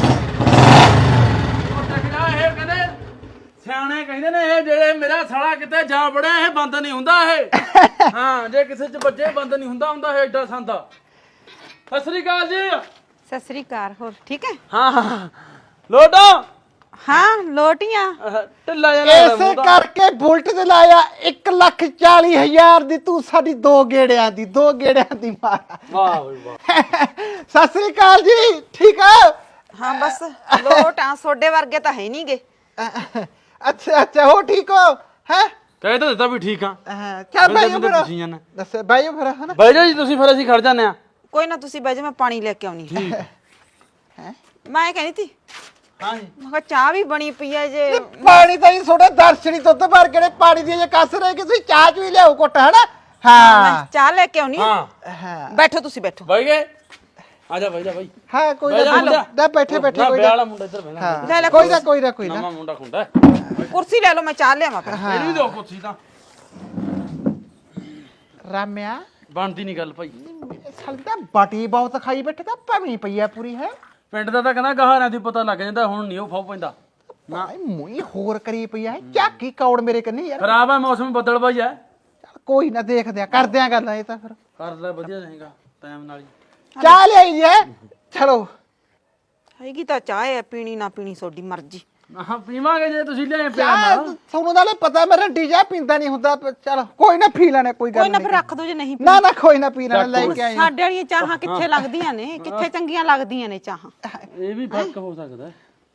ਉਹ ਟਕਰਾ ਇਹ ਕਹਿੰਦੇ ਸਿਆਣੇ ਕਹਿੰਦੇ ਨੇ ਇਹ ਜਿਹੜੇ ਮੇਰਾ ਸਾਲਾ ਕਿਤੇ ਜਾ ਵੜਿਆ ਇਹ ਬੰਦ ਨਹੀਂ ਹੁੰਦਾ ਇਹ ਹਾਂ ਜੇ ਕਿਸੇ ਚ ਵੱਜੇ ਬੰਦ ਨਹੀਂ ਹੁੰਦਾ ਹੁੰਦਾ ਇਹ ਐਡਾ ਸੰਦਾ ਸਤਿ ਸ੍ਰੀ ਅਕਾਲ ਜੀ ਸਤਿ ਸ੍ਰੀ ਅਕਾਲ ਹੋਰ ਠੀਕ ਹੈ ਹਾਂ ਹਾਂ ਲੋਟੋ ਹਾਂ ਲੋਟੀਆਂ ਢਿੱਲਾ ਜਿਹਾ ਐਸੇ ਕਰਕੇ ਬੁਲਟ ਤੇ ਲਾਇਆ ਇੱਕ ਲੱਖ ਚਾਲੀ ਹਜ਼ਾਰ ਦੀ ਤੂੰ ਸਾਡੀ ਦੋ ਗੇੜਿਆਂ ਦੀ ਦੋ ਗੇੜਿਆਂ ਦੀ ਮਾਰ ਵਾਹ ਵਾਹ ਸਤਿ ਸ੍ਰੀ ਅਕਾਲ ਜੀ ਠੀਕ ਆ ਹਾਂ ਬਸ ਲੋਟਾਂ ਸੋਡੇ ਵਰਗੇ ਤਾਂ ਹੈ ਨਹੀਂਗੇ ਅੱਛਾ ਅੱਛਾ ਹੋ ਠੀਕ ਹੋ ਹੈ ਕਹਿ ਤਾਂ ਦਿੱਤਾ ਵੀ ਠੀਕ ਆ ਚੱਲ ਬਾਈਓ ਫਿਰ ਤੁਸੀਂ ਜਾਨਾ ਦੱਸ ਬਾਈਓ ਫਿਰ ਹਨਾ ਬਾਈ ਜੀ ਤੁਸੀਂ ਫਿਰ ਅਸੀਂ ਖੜ ਜਾਂਦੇ ਆ ਕੋਈ ਨਾ ਤੁਸੀਂ ਬਹਿ ਜਾ ਮੈਂ ਪਾਣੀ ਲੈ ਕੇ ਆਉਣੀ ਠੀਕ ਹੈ ਮੈਂ ਕਹਿੰਦੀ ਸੀ ਹਾਂ ਜੀ ਮੈਂ ਕਿਹਾ ਚਾਹ ਵੀ ਬਣੀ ਪਈ ਹੈ ਜੇ ਪਾਣੀ ਤਾਂ ਹੀ ਥੋੜਾ ਦਰਸ਼ਨੀ ਦੁੱਧ ਭਰ ਕੇ ਪਾਣੀ ਦੀ ਜੇ ਕਸ ਰਹੇ ਕਿ ਤੁਸੀਂ ਚਾਹ ਚੂਈ ਲਿਆਓ ਘੁੱਟ ਹਨਾ ਹਾਂ ਮੈਂ ਚਾਹ ਲੈ ਕੇ ਆਉਣੀ ਹਾਂ ਹਾਂ ਬੈਠੋ ਤੁਸੀਂ ਬੈਠੋ ਬਾਈ ਗਏ ਆ ਜਾ ਬਾਈ ਜਾ ਬਾਈ ਹਾਂ ਕੋਈ ਬਹਿ ਜਾ ਨਾ ਮੁੰਡਾ। ਨਾ ਬੈਠੇ ਬੈਠੇ ਨਾ ਕੋਈ ਵਿਆਹ ਨਾ ਵਾਲਾ ਮੁੰਡਾ ਇੱਧਰ ਬਹਿਣਾ ਹਾਂ ਕੋਈ ਨਾ ਕੋਈ ਨਾ ਕੋਈ ਨਾ ਨਵਾਂ ਮੁੰਡਾ ਖੁੰਡਾ ਕੁਰਸੀ ਲੈ ਲਓ ਮੈਂ ਚਾਹ ਲਿਆਵਾਂ ਫਿਰ ਇਹਨੂੰ ਵੀ ਦਿਓ ਕੁੱਤੀ ਤਾਂ ਰਾਮਿਆ ਬਣਦੀ ਨਹੀਂ ਗੱਲ ਭਾਈ ਸਾਲ ਤਾਂ ਬਾਟੀ ਬਹੁਤ ਖਾਈ ਬੈਠੇ ਤਾਂ ਭਵੀ ਪਈ ਆ ਪੂਰੀ ਹੈ ਪਿੰਡ ਦਾ ਤਾਂ ਕਹਿੰਦਾ ਗਹਾਰਾਂ ਦੀ ਪਤਾ ਲੱਗ ਜਾਂਦਾ ਹੁਣ ਨਹੀਂ ਉਹ ਫਾਉ ਪੈਂਦਾ ਨਾ ਮੂੰਹ ਹੋਰ ਕਰੀ ਪਈ ਆ ਝਾਕੀ ਕੌੜ ਮੇਰੇ ਕੰਨੀ ਯਾਰ ਖਰਾਬ ਹੈ ਮੌਸਮ ਬੱਦਲ ਭਾਈ ਹੈ ਚੱਲ ਕੋਈ ਨਾ ਦੇਖਦੇ ਆ ਕਰਦੇ ਆ ਗੱਲਾਂ ਇਹ ਤਾਂ ਫਿਰ ਕਰ ਲੈ ਵਧੀਆ ਰਹੇਗਾ ਟਾਈਮ ਨਾਲ ਹੀ ਚਾਹ ਲਿਆਈ ਜੀ ਚਲੋ ਹੈਗੀ ਤਾਂ ਚਾਹ ਹੈ ਪੀਣੀ ਨਾ ਪੀਣੀ ਤੁਹਾਡੀ ਮਰਜ਼ੀ ਹਾਂ ਪੀਵਾਂਗੇ ਜੇ ਤੁਸੀਂ ਲਿਆਏ ਪਿਆਰ ਚਾਹ ਨਾਲ ਤੁਹਾਨੂੰ ਨਾਲੇ ਪਤਾ ਮੈਂ ਰੰਡੀ ਚਾਹ ਪੀਂਦਾ ਨਹੀਂ ਹੁੰਦਾ ਪਰ ਚਲ ਕੋਈ ਨਾ ਪੀ ਲੈਣੇ ਕੋਈ ਕੋਈ ਗੱਲ ਨਾ ਫਿਰ ਨਹੀਂ ਰੱਖ ਦੋ ਜੇ ਨਹੀਂ ਨਾ ਨਾ ਕੋਈ ਨਾ ਪੀ ਲੈਣੇ ਲੈ ਕੇ ਆਈ ਸਾਡੇ ਵਾਲੀਆਂ ਚਾਹਾਂ ਕਿੱਥੇ ਲੱਗਦੀਆਂ ਨੇ ਕਿੱਥੇ ਚੰਗੀਆਂ ਲੱਗਦੀਆਂ ਨੇ ਚਾਹਾਂ ਇਹ ਵੀ ਫਰਕ ਹੋ ਸਕਦਾ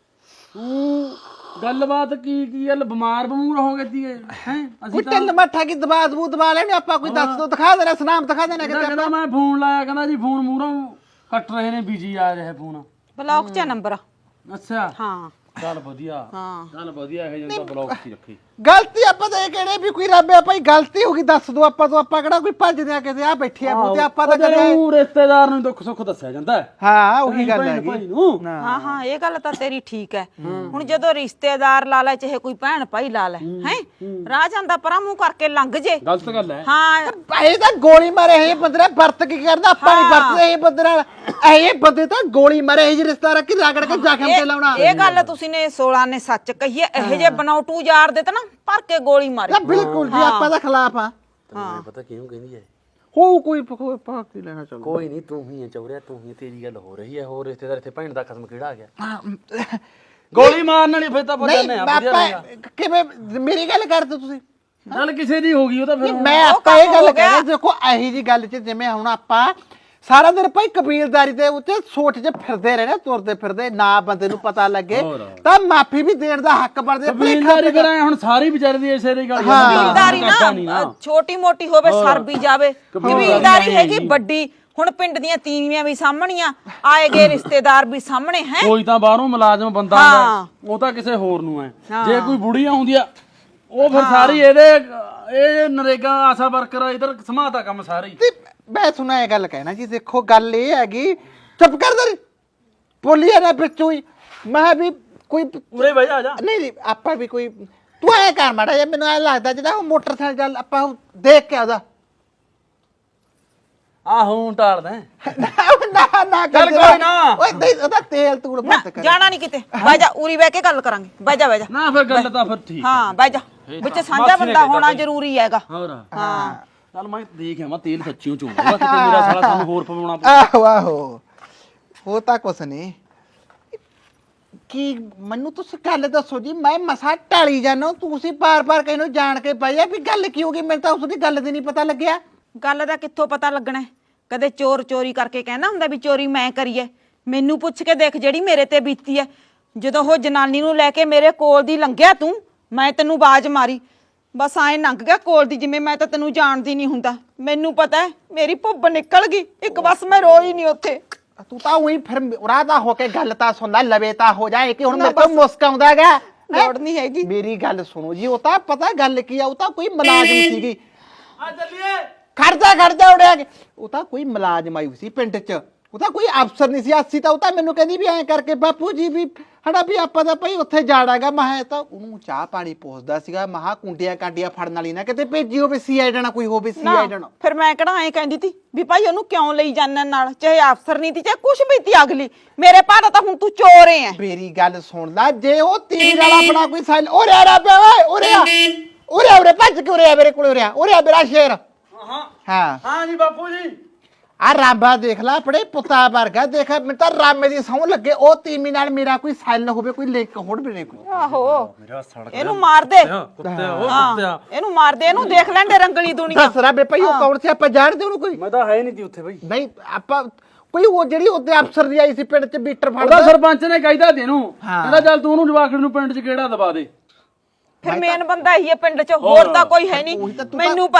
ਤੂੰ ਗੱਲਬਾਤ ਕੀ ਕੀ ਗੱਲ ਬਿਮਾਰ ਬਮੂਰ ਹੋ ਗਈ ਹੈ ਹੈ ਅਸੀਂ ਕੋਈ ਟੱਲ ਮੱਠਾ ਕੀ ਦਬਾ ਦਬੂ ਦਬਾ ਲੈਣੇ ਆਪਾਂ ਕੋਈ ਦੱਸ ਦੋ ਦਿਖਾ ਦੇਣਾ ਸੁਨਾਮ ਦਿਖਾ ਦੇਣਾ ਕਹਿੰਦਾ ਕਿਤੇ ਕਹਿੰਦਾ ਮੈਂ ਫੋਨ ਲਾਇਆ ਕਹਿੰਦਾ ਜੀ ਫੋਨ ਮੂਹਰੋਂ ਕੱਟ ਰਹੇ ਨੇ ਬੀਜੀ ਆ ਰਿਹਾ ਫੋਨ ਬਲੌਕ 'ਚ ਨੰਬਰ ਅੱਛਾ ਹਾਂ ਚੱਲ ਵਧੀਆ ਹਾਂ ਚੱਲ ਵਧੀਆ ਇਹ ਜਿਹਾ ਬਲੌਕ ਹੀ ਰੱਖੀ ਗਲਤੀ ਆਪਾਂ ਤਾਂ ਇਹ ਕਿਹੜੇ ਵੀ ਕੋਈ ਰੱਬ ਆ ਭਾਈ ਗਲਤੀ ਹੋ ਗਈ ਦੱਸ ਦੋ ਆਪਾਂ ਤੋਂ ਆਪਾਂ ਕਿਹੜਾ ਕੋਈ ਭੱਜਦੇ ਆ ਕਿਤੇ ਆ ਬੈਠੇ ਆ ਬੂਤੇ ਆਪਾਂ ਤਾਂ ਕਦੇ ਉਹ ਰਿਸ਼ਤੇਦਾਰ ਨੂੰ ਦੁੱਖ ਸੁੱਖ ਦੱਸਿਆ ਜਾਂਦਾ ਹੈ ਹਾਂ ਉਹੀ ਗੱਲ ਭਾਈ ਹੈਗੀ ਨੂੰ ਹਾਂ ਹਾਂ ਇਹ ਗੱਲ ਤਾਂ ਤੇਰੀ ਠੀਕ ਹੈ ਹੁਣ ਜਦੋਂ ਰਿਸ਼ਤੇਦਾਰ ਲਾ ਲੈ ਚਾਹੇ ਕੋਈ ਭੈਣ ਭਾਈ ਲਾ ਲੈ ਹੈ ਰਾਹ ਜਾਂਦਾ ਪਰਾਂ ਮੂੰਹ ਕਰਕੇ ਲੰਘ ਜੇ ਗਲਤ ਗੱਲ ਹੈ ਹਾਂ ਇਹ ਤਾਂ ਗੋਲੀ ਮਾਰੇ ਇਹ ਬੰਦੇ ਵਰਤ ਕੀ ਕਰਦਾ ਆਪਾਂ ਨਹੀਂ ਵਰਤਦੇ ਇਹ ਬੰਦੇ ਨਾਲ ਇਹ ਬੰਦੇ ਤਾਂ ਗੋਲੀ ਮਾਰੇ ਇਹ ਰਿਸ਼ਤਾ ਕਿ ਰਗੜ ਕੇ ਜ਼ਖਮ ਤੇ ਲਾਉਣਾ ਇਹ ਗੱਲ ਤੁਸੀਂ ਨੇ ਸੋਲਾਂ ਨੇ ਸੱਚ ਕਹੀ ਹੈ ਇਹ ਜੇ ਬਣਾਉਟੂ ਯਾਰ ਦੇ ਤਾਂ ਨਾ ਭਰ ਕੇ ਗੋਲੀ ਮਾਰੇ ਤਾਂ ਬਿਲਕੁਲ ਜੀ ਆਪਾਂ ਦਾ ਖਿਲਾਫ ਆ ਤੈਨੂੰ ਪਤਾ ਕਿਉਂ ਕਹਿੰਦੀ ਹੈ ਹੋ ਕੋਈ ਕੋਈ ਭਾਗ ਨਹੀਂ ਲੈਣਾ ਚੱਲ ਕੋਈ ਨਹੀਂ ਤੂੰ ਹੀ ਹੈ ਚੌਰਿਆ ਤੂੰ ਹੀ ਤੇਰੀ ਗੱਲ ਹੋ ਰਹੀ ਹੈ ਹੋਰ ਰਿਸ਼ਤੇਦਾਰ ਇੱਥੇ ਭੈਣ ਦਾ ਖਸਮ ਕਿਹੜਾ ਆ ਗਿਆ ਗੋਲੀ ਮਾਰਨ ਵਾਲੀ ਫਿਰ ਤਾਂ ਪਤਾ ਨਹੀਂ ਆ ਵਧੀਆ ਰਹੇਗਾ ਕਿਵੇਂ ਮੇਰੀ ਗੱਲ ਕਰਦੇ ਤੁਸੀਂ ਗੱਲ ਕਿਸੇ ਦੀ ਹੋ ਗਈ ਉਹ ਤਾਂ ਫਿਰ ਮੈਂ ਆਪਾਂ ਇਹ ਗੱਲ ਕਹਿ ਰਿਹਾ ਦੇਖੋ ਇਹੀ ਜੀ ਗੱਲ 'ਚ ਜਿਵੇਂ ਹੁਣ ਆਪਾਂ ਸਾਰਾ ਦਿਨ ਭਾਈ ਕਬੀਲਦਾਰੀ ਦੇ ਉੱਤੇ ਸੋਚ 'ਚ ਫਿਰਦੇ ਰਹੇ ਨਾ ਤੁਰਦੇ ਫਿਰਦੇ ਨਾ ਬੰਦੇ ਨੂੰ ਪਤਾ ਲੱਗੇ ਤਾਂ ਮਾਫੀ ਵੀ ਦੇਣ ਦਾ ਹੱਕ ਬਣਦੇ ਕਬੀਲਦਾਰੀ ਕਰਾਂ ਹੁਣ ਸਾਰੀ ਵਿਚਾਰੇ ਦੀ ਇਸੇ ਦੀ ਗੱਲ ਕਬੀਲਦਾਰੀ ਨਾ ਛੋਟੀ ਮੋਟੀ ਹੋਵੇ ਸਰ ਵੀ ਜਾਵੇ ਕਬੀਲਦਾਰੀ ਹੈਗੀ ਵੱਡੀ ਹੁਣ ਪਿੰਡ ਦੀਆਂ ਤੀਵੀਆਂ ਵੀ ਸਾਹਮਣੀਆਂ ਆਏ ਗਏ ਰਿਸ਼ਤੇਦਾਰ ਵੀ ਸਾਹਮਣੇ ਹੈ ਕੋਈ ਤਾਂ ਬਾਹਰੋਂ ਮੁਲਾਜ਼ਮ ਬੰਦਾ ਆਉਂਦਾ ਉਹ ਤਾਂ ਕਿਸੇ ਹੋਰ ਨੂੰ ਹੈ ਜੇ ਕੋਈ ਬੁੜੀਆਂ ਹੁੰਦੀਆਂ ਉਹ ਫਿਰ ਸਾਰੀ ਇਹਦੇ ਇਹ ਨਰੇਗਾ ਆਸਾ ਵਰਕਰ ਇਧਰ ਸਮਾਤਾ ਕੰਮ ਸਾਰੇ ਤੇ ਮੈਂ ਸੁਣਾ ਇਹ ਗੱਲ ਕਹਿਣਾ ਜੀ ਦੇਖੋ ਗੱਲ ਇਹ ਹੈਗੀ ਚੁੱਪ ਕਰ ਦੇ ਬੋਲੀ ਨਾ ਵਿੱਚੋਂ ਹੀ ਮੈਂ ਵੀ ਕੋਈ ਉਰੇ ਬਹਿ ਜਾ ਆ ਜਾ ਨਹੀਂ ਨਹੀਂ ਆਪਾਂ ਵੀ ਕੋਈ ਤੂੰ ਐ ਕਰ ਮਾੜਾ ਜਿਹਾ ਮੈਨੂੰ ਐ ਲੱਗਦਾ ਜਿਹੜਾ ਉਹ ਮੋਟਰਸਾਈਕਲ ਚੱਲ ਆਪਾਂ ਉਹ ਦੇਖ ਕੇ ਆਦਾ ਆਹੋ ਟਾਲਦਾ ਨਾ ਨਾ ਚੱਲ ਕੋਈ ਨਾ। ਓਏ ਨਹੀਂ ਉਹਦਾ ਤੇਲ ਤੂੜ ਬੰਦ ਕਰ ਜਾਣਾ ਨਹੀਂ ਕਿਤੇ ਬਹਿ ਜਾ ਉਰੀ ਬਹਿ ਕੇ ਗੱਲ ਕਰਾਂਗੇ ਬਹਿ ਜਾ ਬਹਿ ਜਾ ਨਾ ਫਿਰ ਗੱਲ ਤਾਂ ਫਿਰ ਠੀਕ ਹਾਂ ਬਹਿ ਜਾ ਵਿੱਚ ਸਾਂਝਾ ਬੰਦਾ ਹੋਣਾ ਜ਼ਰੂਰੀ ਹੈਗਾ ਹੋਰ ਹਾਂ ਚੱਲ ਮੈਂ ਦੇਖ ਆਵਾਂ ਤੇਲ ਸੱਚੀਓ ਚੋਂਗਾ ਕਿਤੇ ਮੇਰਾ ਸਾਲਾ ਸਾਨੂੰ ਹੋਰ ਪਵਾਉਣਾ ਪਊ। ਆਹੋ ਆਹੋ ਉਹ ਤਾਂ ਕੁਛ ਨਹੀਂ ਕੀ ਮੈਨੂੰ ਤੁਸੀਂ ਗੱਲ ਦੱਸੋ ਜੀ ਮੈਂ ਮਸਾ ਟਾਲੀ ਜਾਣਾ ਤੁਸੀਂ ਬਾਰ-ਬਾਰ ਕਹਿੰਨੋ ਜਾਣ ਕੇ ਪਾਇਆ ਵੀ ਗੱਲ ਕੀ ਹੋ ਗਈ ਮੈਨੂੰ ਤਾਂ ਉਸ ਦੀ ਗੱਲ ਦੀ ਨਹੀਂ ਪਤਾ ਲੱਗਿਆ ਗੱਲ ਦਾ ਕਿੱਥੋਂ ਪਤਾ ਲੱਗਣਾ ਕਦੇ ਚੋਰ ਚੋਰੀ ਕਰਕੇ ਕਹਿੰਦਾ ਹੁੰਦਾ ਵੀ ਚੋਰੀ ਮੈਂ ਕਰੀ ਐ ਮੈਨੂੰ ਪੁੱਛ ਕੇ ਦੇਖ ਜਿਹੜੀ ਮੇਰੇ ਤੇ ਬੀਤੀ ਐ ਜਦੋਂ ਉਹ ਜਨਾਨੀ ਨੂੰ ਲੈ ਕੇ ਮੇਰੇ ਕੋਲ ਦੀ ਲੰਘਿਆ ਤੂੰ ਮੈਂ ਤੈਨੂੰ ਆਵਾਜ਼ ਮਾਰੀ ਬਸ ਐਂ ਲੰਘ ਗਿਆ ਕੋਲ ਦੀ ਜਿਵੇਂ ਮੈਂ ਤਾਂ ਤੈਨੂੰ ਜਾਣਦੀ ਨਹੀਂ ਹੁੰਦਾ ਮੈਨੂੰ ਪਤਾ ਮੇਰੀ ਭੁੱਬ ਨਿਕਲ ਗਈ ਇੱਕ ਬਸ ਮੈਂ ਰੋਈ ਨਹੀਂ ਉੱਥੇ ਤੂੰ ਤਾਂ ਉਹੀ ਫਿਰ ਉਰਾਦਾ ਹੋ ਕੇ ਗੱਲ ਤਾਂ ਸੁਣ ਲੈ ਲਵੇ ਤਾਂ ਹੋ ਜਾਏ ਕਿ ਹੁਣ ਮੇਰੇ ਤੋਂ ਮੁਸਕ ਆਉਂਦਾਗਾ ਲੋੜ ਨਹੀਂ ਹੈਗੀ ਮੇਰੀ ਗੱਲ ਸੁਣੋ ਜੀ ਉਹ ਤਾਂ ਪਤਾ ਗੱਲ ਕੀ ਆ ਉਹ ਤਾਂ ਕੋਈ ਮੁਲਾਜ਼ਮ ਸੀਗੀ ਆ ਚੱਲੀਏ ਖੜਦਾ ਖੜਦਾ ਉੜਿਆ ਉਹ ਤਾਂ ਕੋਈ ਮੁਲਾਜ਼ਮ ਆਈ ਸੀ ਪਿੰਡ 'ਚ ਉਹ ਤਾਂ ਕੋਈ ਅਫਸਰ ਨਹੀਂ ਸੀ ਅਸੀਂ ਤਾਂ ਉਹ ਤਾਂ ਮੈਨੂੰ ਕਹਿੰਦੀ ਵੀ ਐਂ ਕਰਕੇ ਬਾਪੂ ਜੀ ਵੀ ਹੜਾ ਵੀ ਆਪਾਂ ਤਾਂ ਭਾਈ ਉੱਥੇ ਜਾਣਾਗਾ ਮੈਂ ਤਾਂ ਉਹਨੂੰ ਚਾਹ ਪਾਣੀ ਪੁੱਛਦਾ ਸੀਗਾ ਮਹਾ ਕੁੰਡੀਆਂ ਕਾਂਡੀਆਂ ਫੜਨ ਵਾਲੀ ਨਾ ਕਿਤੇ ਭੇਜੀ ਹੋਵੇ ਸੀ ਆਈ ਜਾਣਾ ਕੋਈ ਹੋਵੇ ਸੀ ਆਈ ਜਾਣਾ ਫਿਰ ਮੈਂ ਕਿਹੜਾ ਐਂ ਕਹਿੰਦੀ ਤੀ ਵੀ ਭਾਈ ਉਹਨੂੰ ਕਿਉਂ ਲਈ ਜਾਣਨ ਨਾਲ ਚਾਹੇ ਅਫਸਰ ਨਹੀਂ ਤੀ ਚਾਹੇ ਕੁਛ ਵੀ ਤੀ ਅਗਲੀ ਮੇਰੇ ਭਾਅ ਤਾਂ ਹੁਣ ਤੂੰ ਚੋਰ ਐ ਮੇਰੀ ਗੱਲ ਸੁਣ ਲੈ ਜੇ ਉਹ ਤੀਰ ਵਾਲਾ ਆਪਣਾ ਕੋਈ ਸਾਈਲ ਉਰੇ ਆ ਪਿਆ ਓਏ ਉਰੇ ਆ ਉਰੇ ਉਰੇ ਭੱਜ ਕੇ ਉਰੇ ਆ ਮੇਰੇ ਕੋਲ ਉਰੇ ਆ ਉਰੇ ਆ ਮੇਰਾ ਸ਼ੇਰ ਹਾਂ ਹਾਂ ਹਾਂ ਜੀ ਬਾਪੂ ਜੀ ਆ ਰਾਂਬਾ ਦੇਖ ਲੈ ਆਪਣੇ ਪੁੱਤਾ ਵਰਗਾ ਦੇਖ ਮੈਨੂੰ ਤਾਂ ਰਾਮੇ ਦੀ ਸੌਂ ਲੱਗੇ ਉਹ ਤੀਮੀ ਨਾਲ ਮੇਰਾ ਕੋਈ ਸਾਈਲ ਹੋਵੇ ਕੋਈ ਲਿੰਕ ਹੋੜ ਵੀ ਨਹੀਂ ਕੋਈ ਆਹੋ ਮੇਰਾ ਸੜਕ ਇਹਨੂੰ ਮਾਰ ਦੇ ਕੁੱਤੇ ਉਹ ਕੁੱਤਿਆ ਇਹਨੂੰ ਮਾਰ ਦੇ ਇਹਨੂੰ ਦੇਖ ਲੈਂਦੇ ਰੰਗਲੀ ਦੁਨੀਆ ਦੱਸ ਰਾ ਬੇ ਭਾਈ ਉਹ ਕੌਣ ਸੀ ਆਪਾਂ ਜਾਣਦੇ ਉਹਨੂੰ ਕੋਈ ਮੈਂ ਤਾਂ ਹੈ ਨਹੀਂ ਤੀ ਉੱਥੇ ਬਈ ਨਹੀਂ ਆਪਾਂ ਕੋਈ ਉਹ ਜਿਹੜੀ ਉੱਤੇ ਅਫਸਰ ਦੀ ਆਈ ਸੀ ਪਿੰਡ 'ਚ ਬੀਟਰ ਉਹਦਾ ਫੜਦਾ ਸਰਪੰਚ ਨੇ ਕਹਿਦਾ ਤੈਨੂੰ ਕਹਿੰਦਾ ਚੱਲ ਤੂੰ ਉਹਨੂੰ ਜਵਾਖੜ ਨੂੰ ਪਿੰਡ 'ਚ ਕਿਹੜਾ ਦਬਾ ਦੇ ਫਿਰ ਮੇਨ ਬੰਦਾ ਹੀ ਹੈ ਪਿੰਡ 'ਚ ਹੋਰ ਤਾਂ ਕੋਈ ਹੈ ਨਹੀਂ ਮੈਨੂੰ ਪਤਾ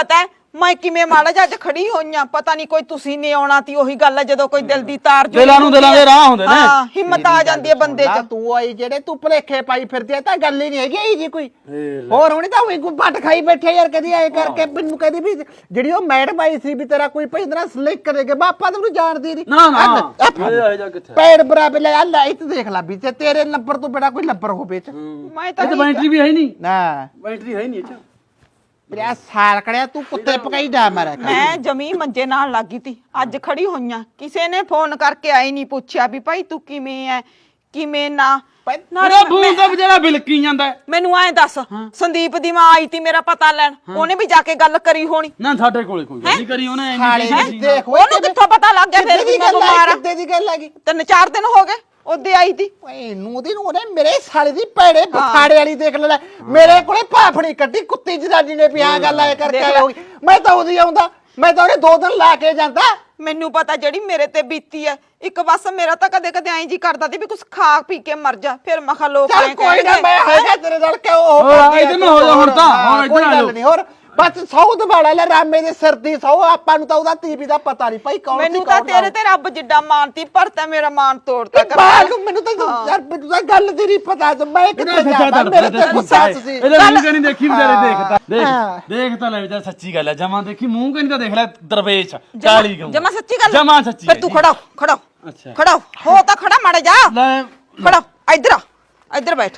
ਮੈਂ ਕਿਵੇਂ ਮਾੜਾ ਜਿਹਾ ਅੱਜ ਖੜੀ ਹੋਈਆਂ ਪਤਾ ਨਹੀਂ ਕੋਈ ਤੁਸੀਂ ਨੇ ਆਉਣਾ ਤੀ ਉਹੀ ਗੱਲ ਹੈ ਜਦੋਂ ਕੋਈ ਦਿਲ ਦੀ ਤਾਰ ਜੁੜੀ ਦਿਲਾਂ ਨੂੰ ਦਿਲਾਂ ਦੇ ਰਾਹ ਹੁੰਦੇ ਨੇ। ਹਾਂ ਹਿੰਮਤ ਆ ਜਾਂਦੀ ਹੈ ਬੰਦੇ ਨਾ 'ਚ। ਤੂੰ ਆਈ ਜਿਹੜੇ ਤੂੰ ਭਲੇਖੇ ਪਾਈ ਫਿਰਦੀ ਆ ਤਾਂ ਗੱਲ ਹੀ ਨਹੀਂ ਹੈਗੀ ਇਹ ਜੀ ਕੋਈ ਹੋਰ ਹੁਣੀ ਤਾਂ ਉਹੀ ਗੁੱਪਟ ਖਾਈ ਬੈਠੇ ਯਾਰ ਕਦੀ ਐ ਕਰਕੇ ਮੈਨੂੰ ਕਹਿੰਦੀ ਵੀ ਜਿਹੜੀ ਉਹ ਮੈਡਮ ਆਈ ਸੀ ਵੀ ਤੇਰਾ ਕੋਈ ਭਈਂਦਰਾ ਸਲਿੱਕ ਕਰੇਗਾ ਬਾਪਾ ਤੈਨੂੰ ਜਾਣਦੀ ਨਹੀਂ ਨਾ ਨਾ ਇਹ ਜਾ ਕਿੱਥੇ ਪੈੜ ਬਰਾਬਰ ਲੈ ਆ ਲਾਈਟ ਦੇਖ ਲੈ ਵੀ ਤੇ ਤੇਰੇ ਨੰਬਰ ਤੋਂ ਬੜਾ ਕੋਈ ਨੰਬਰ ਹੋਵੇ ਚ ਮੈਂ ਤਾਂ ਇਹ ਬੈਟਰੀ ਵੀ ਹੈ ਨਹੀਂ ਨਾ ਬੈਟਰੀ ਹੈ ਨਹੀਂ ਇਹ ਚ ਮੇਰਾ ਸਾਲ ਕੜਿਆ ਤੂੰ ਕੁੱਤੇ ਪਕਾਈ ਜਾ ਮਾਰਿਆ ਕਰ। ਮੈਂ ਜਮੀ ਮੰਜੇ ਨਾਲ ਲੱਗੀ ਤੀ ਅੱਜ ਖੜੀ ਹੋਈਆਂ ਕਿਸੇ ਨੇ ਫੋਨ ਕਰਕੇ ਆਈ ਨਹੀਂ ਪੁੱਛਿਆ ਵੀ ਭਾਈ ਤੂੰ ਕਿਵੇਂ ਐ ਕਿਵੇਂ ਨਾ ਨਾਲੇ ਫੋਨ ਤਾਂ ਵਿਚਾਰਾ ਬਿਲਕੀ ਜਾਂਦਾ ਹੈ। ਮੈਨੂੰ ਐਂ ਦੱਸ ਸੰਦੀਪ ਦੀ ਮਾਂ ਆਈ ਤੀ ਮੇਰਾ ਪਤਾ ਲੈਣ ਉਹਨੇ ਵੀ ਜਾ ਕੇ ਗੱਲ ਕਰੀ ਹੋਣੀ ਨਾ ਸਾਡੇ ਕੋਲੇ ਕੋਈ ਗੱਲ ਨਹੀਂ ਕਰੀ ਉਹਨੇ ਸਾਲੇ ਇੰਨੀ ਦੀ ਦੇਖ ਓਏ ਉਹਨੂੰ ਕਿੱਥੋਂ ਪਤਾ ਲੱਗ ਗਿਆ ਫਿਰ ਕਿੱਦੇ ਵੀ ਦੀ ਮੈਂ ਗੱਲ ਬਿਮਾਰ ਆ ਆ ਕਿੱਦੇ ਦੀ ਗੱਲ ਆ ਗਈ ਤਿੰਨ ਚਾਰ ਦਿਨ ਹੋ ਗਏ ਉਹਦੇ ਆਈ ਤੀ ਓਏ ਨੂੰ ਦੀ ਨੂੰ ਉਹਨੇ ਮੇਰੇ ਸਾਲੇ ਦੀ ਭੈੜੇ ਬਖਾੜੇ ਵਾਲੀ ਦੇਖ ਲੈ ਮੇਰੇ ਕੋਲੇ ਭਾਫੜੀ ਕੱਢੀ ਕੁੱਤੀ ਜਨਾਨੀ ਨੇ ਵੀ ਆ ਗੱਲ ਆਏ ਕਰਕੇ ਆਏ ਹੋਗੀ ਮੈਂ ਤਾਂ ਉਹਦੀ ਆਉਂਦਾ ਮੈਂ ਤਾਂ ਉਹਨੇ ਦੋ ਦਿਨ ਲਾ ਕੇ ਜਾਂਦਾ ਮੈਨੂੰ ਪਤਾ ਜਿਹੜੀ ਮੇਰੇ ਤੇ ਬੀਤੀ ਐ ਇੱਕ ਬਸ ਮੇਰਾ ਤਾਂ ਕਦੇ ਕਦੇ ਐਂ ਜੀ ਕਰਦਾ ਤੀ ਵੀ ਕੁਛ ਖਾ ਪੀ ਕੇ ਮਰ ਜਾ ਫਿਰ ਮੈਂ ਕਿਹਾ ਲੋਕ ਚੱਲ ਐਂ ਕੋਈ ਨਾ ਕਹਿਣਗੇ। ਮੈਂ ਹੈਗਾ ਤੇਰੇ ਨਾਲ ਕਿਉਂ ਉਹ ਹੋਰ ਕਰਦੀ ਆ ਇੱਧਰ ਨੂੰ ਹੋ ਜਾ ਹੁਣ ਤਾਂ, ਹਾਂ, ਹੁਣ ਇੱਧਰ ਕੋਈ ਆ ਗੱਲ ਜਾਓ। ਨਹੀਂ ਹੋਰ ਬਸ ਸੌ ਦਵਾੜਾ ਲੈ ਰਾਮੇ ਦੇ ਸਿਰ ਦੀ ਸੌ ਆਪਾਂ ਨੂੰ ਤਾਂ ਉਹਦਾ ਤੀਵੀ ਦਾ ਪਤਾ ਨਹੀਂ ਭਾਈ ਕੌਣ ਸੀ ਮੈਨੂੰ ਤਾਂ ਕੌਣ ਨਾ। ਤੇਰੇ ਤੇ ਰੱਬ ਜਿੱਡਾ ਮਾਨਤੀ ਪਰ ਤਾਂ ਮੇਰਾ ਮਾਨ ਤੋੜਤਾ ਕਰ ਬਾਹਰ ਨੂੰ ਮੈਨੂੰ ਤਾਂ ਯਾਰ ਮੈਨੂੰ ਤਾਂ ਗੱਲ ਦੀ ਨਹੀਂ ਪਤਾ ਤੇ ਮੈਂ ਕਿੱਥੇ ਸੱਚਾ ਜਾਵਾਂ ਤੜਫਦਾ ਮੇਰੇ ਤੇ ਗੁੱਸਾ ਸੀ ਇਹਦੇ ਮੂੰਹ ਕਨੀ ਦੇਖੀ ਵਿਚਾਰੇ ਦੇਖਦਾ ਹਾਂ। ਦੇਖ ਦੇਖ ਤਾਂ ਲੈ ਵਿਚਾਰ ਸੱਚੀ ਗੱਲ ਹੈ ਜਮਾਂ ਦੇਖੀ ਮੂੰਹ ਕਨੀ ਤਾਂ ਦੇਖ ਲੈ ਦਰਵੇਸ਼ ਕਾਲੀ ਗਊ ਜਮਾ ਸੱਚੀ ਗੱਲ ਜਮਾਂ ਸੱਚੀ ਫਿਰ ਤੂੰ ਖੜਾ ਹੋ, ਖੜਾ ਹੋ। ਅੱਛਾ ਖੜਾ ਹੋ ਹੋ ਤਾਂ ਖੜਾ ਮਾੜਾ ਜਾ ਲੈ ਖੜਾ ਹੋ, ਇੱਧਰ ਆ ਇੱਧਰ ਬੈਠ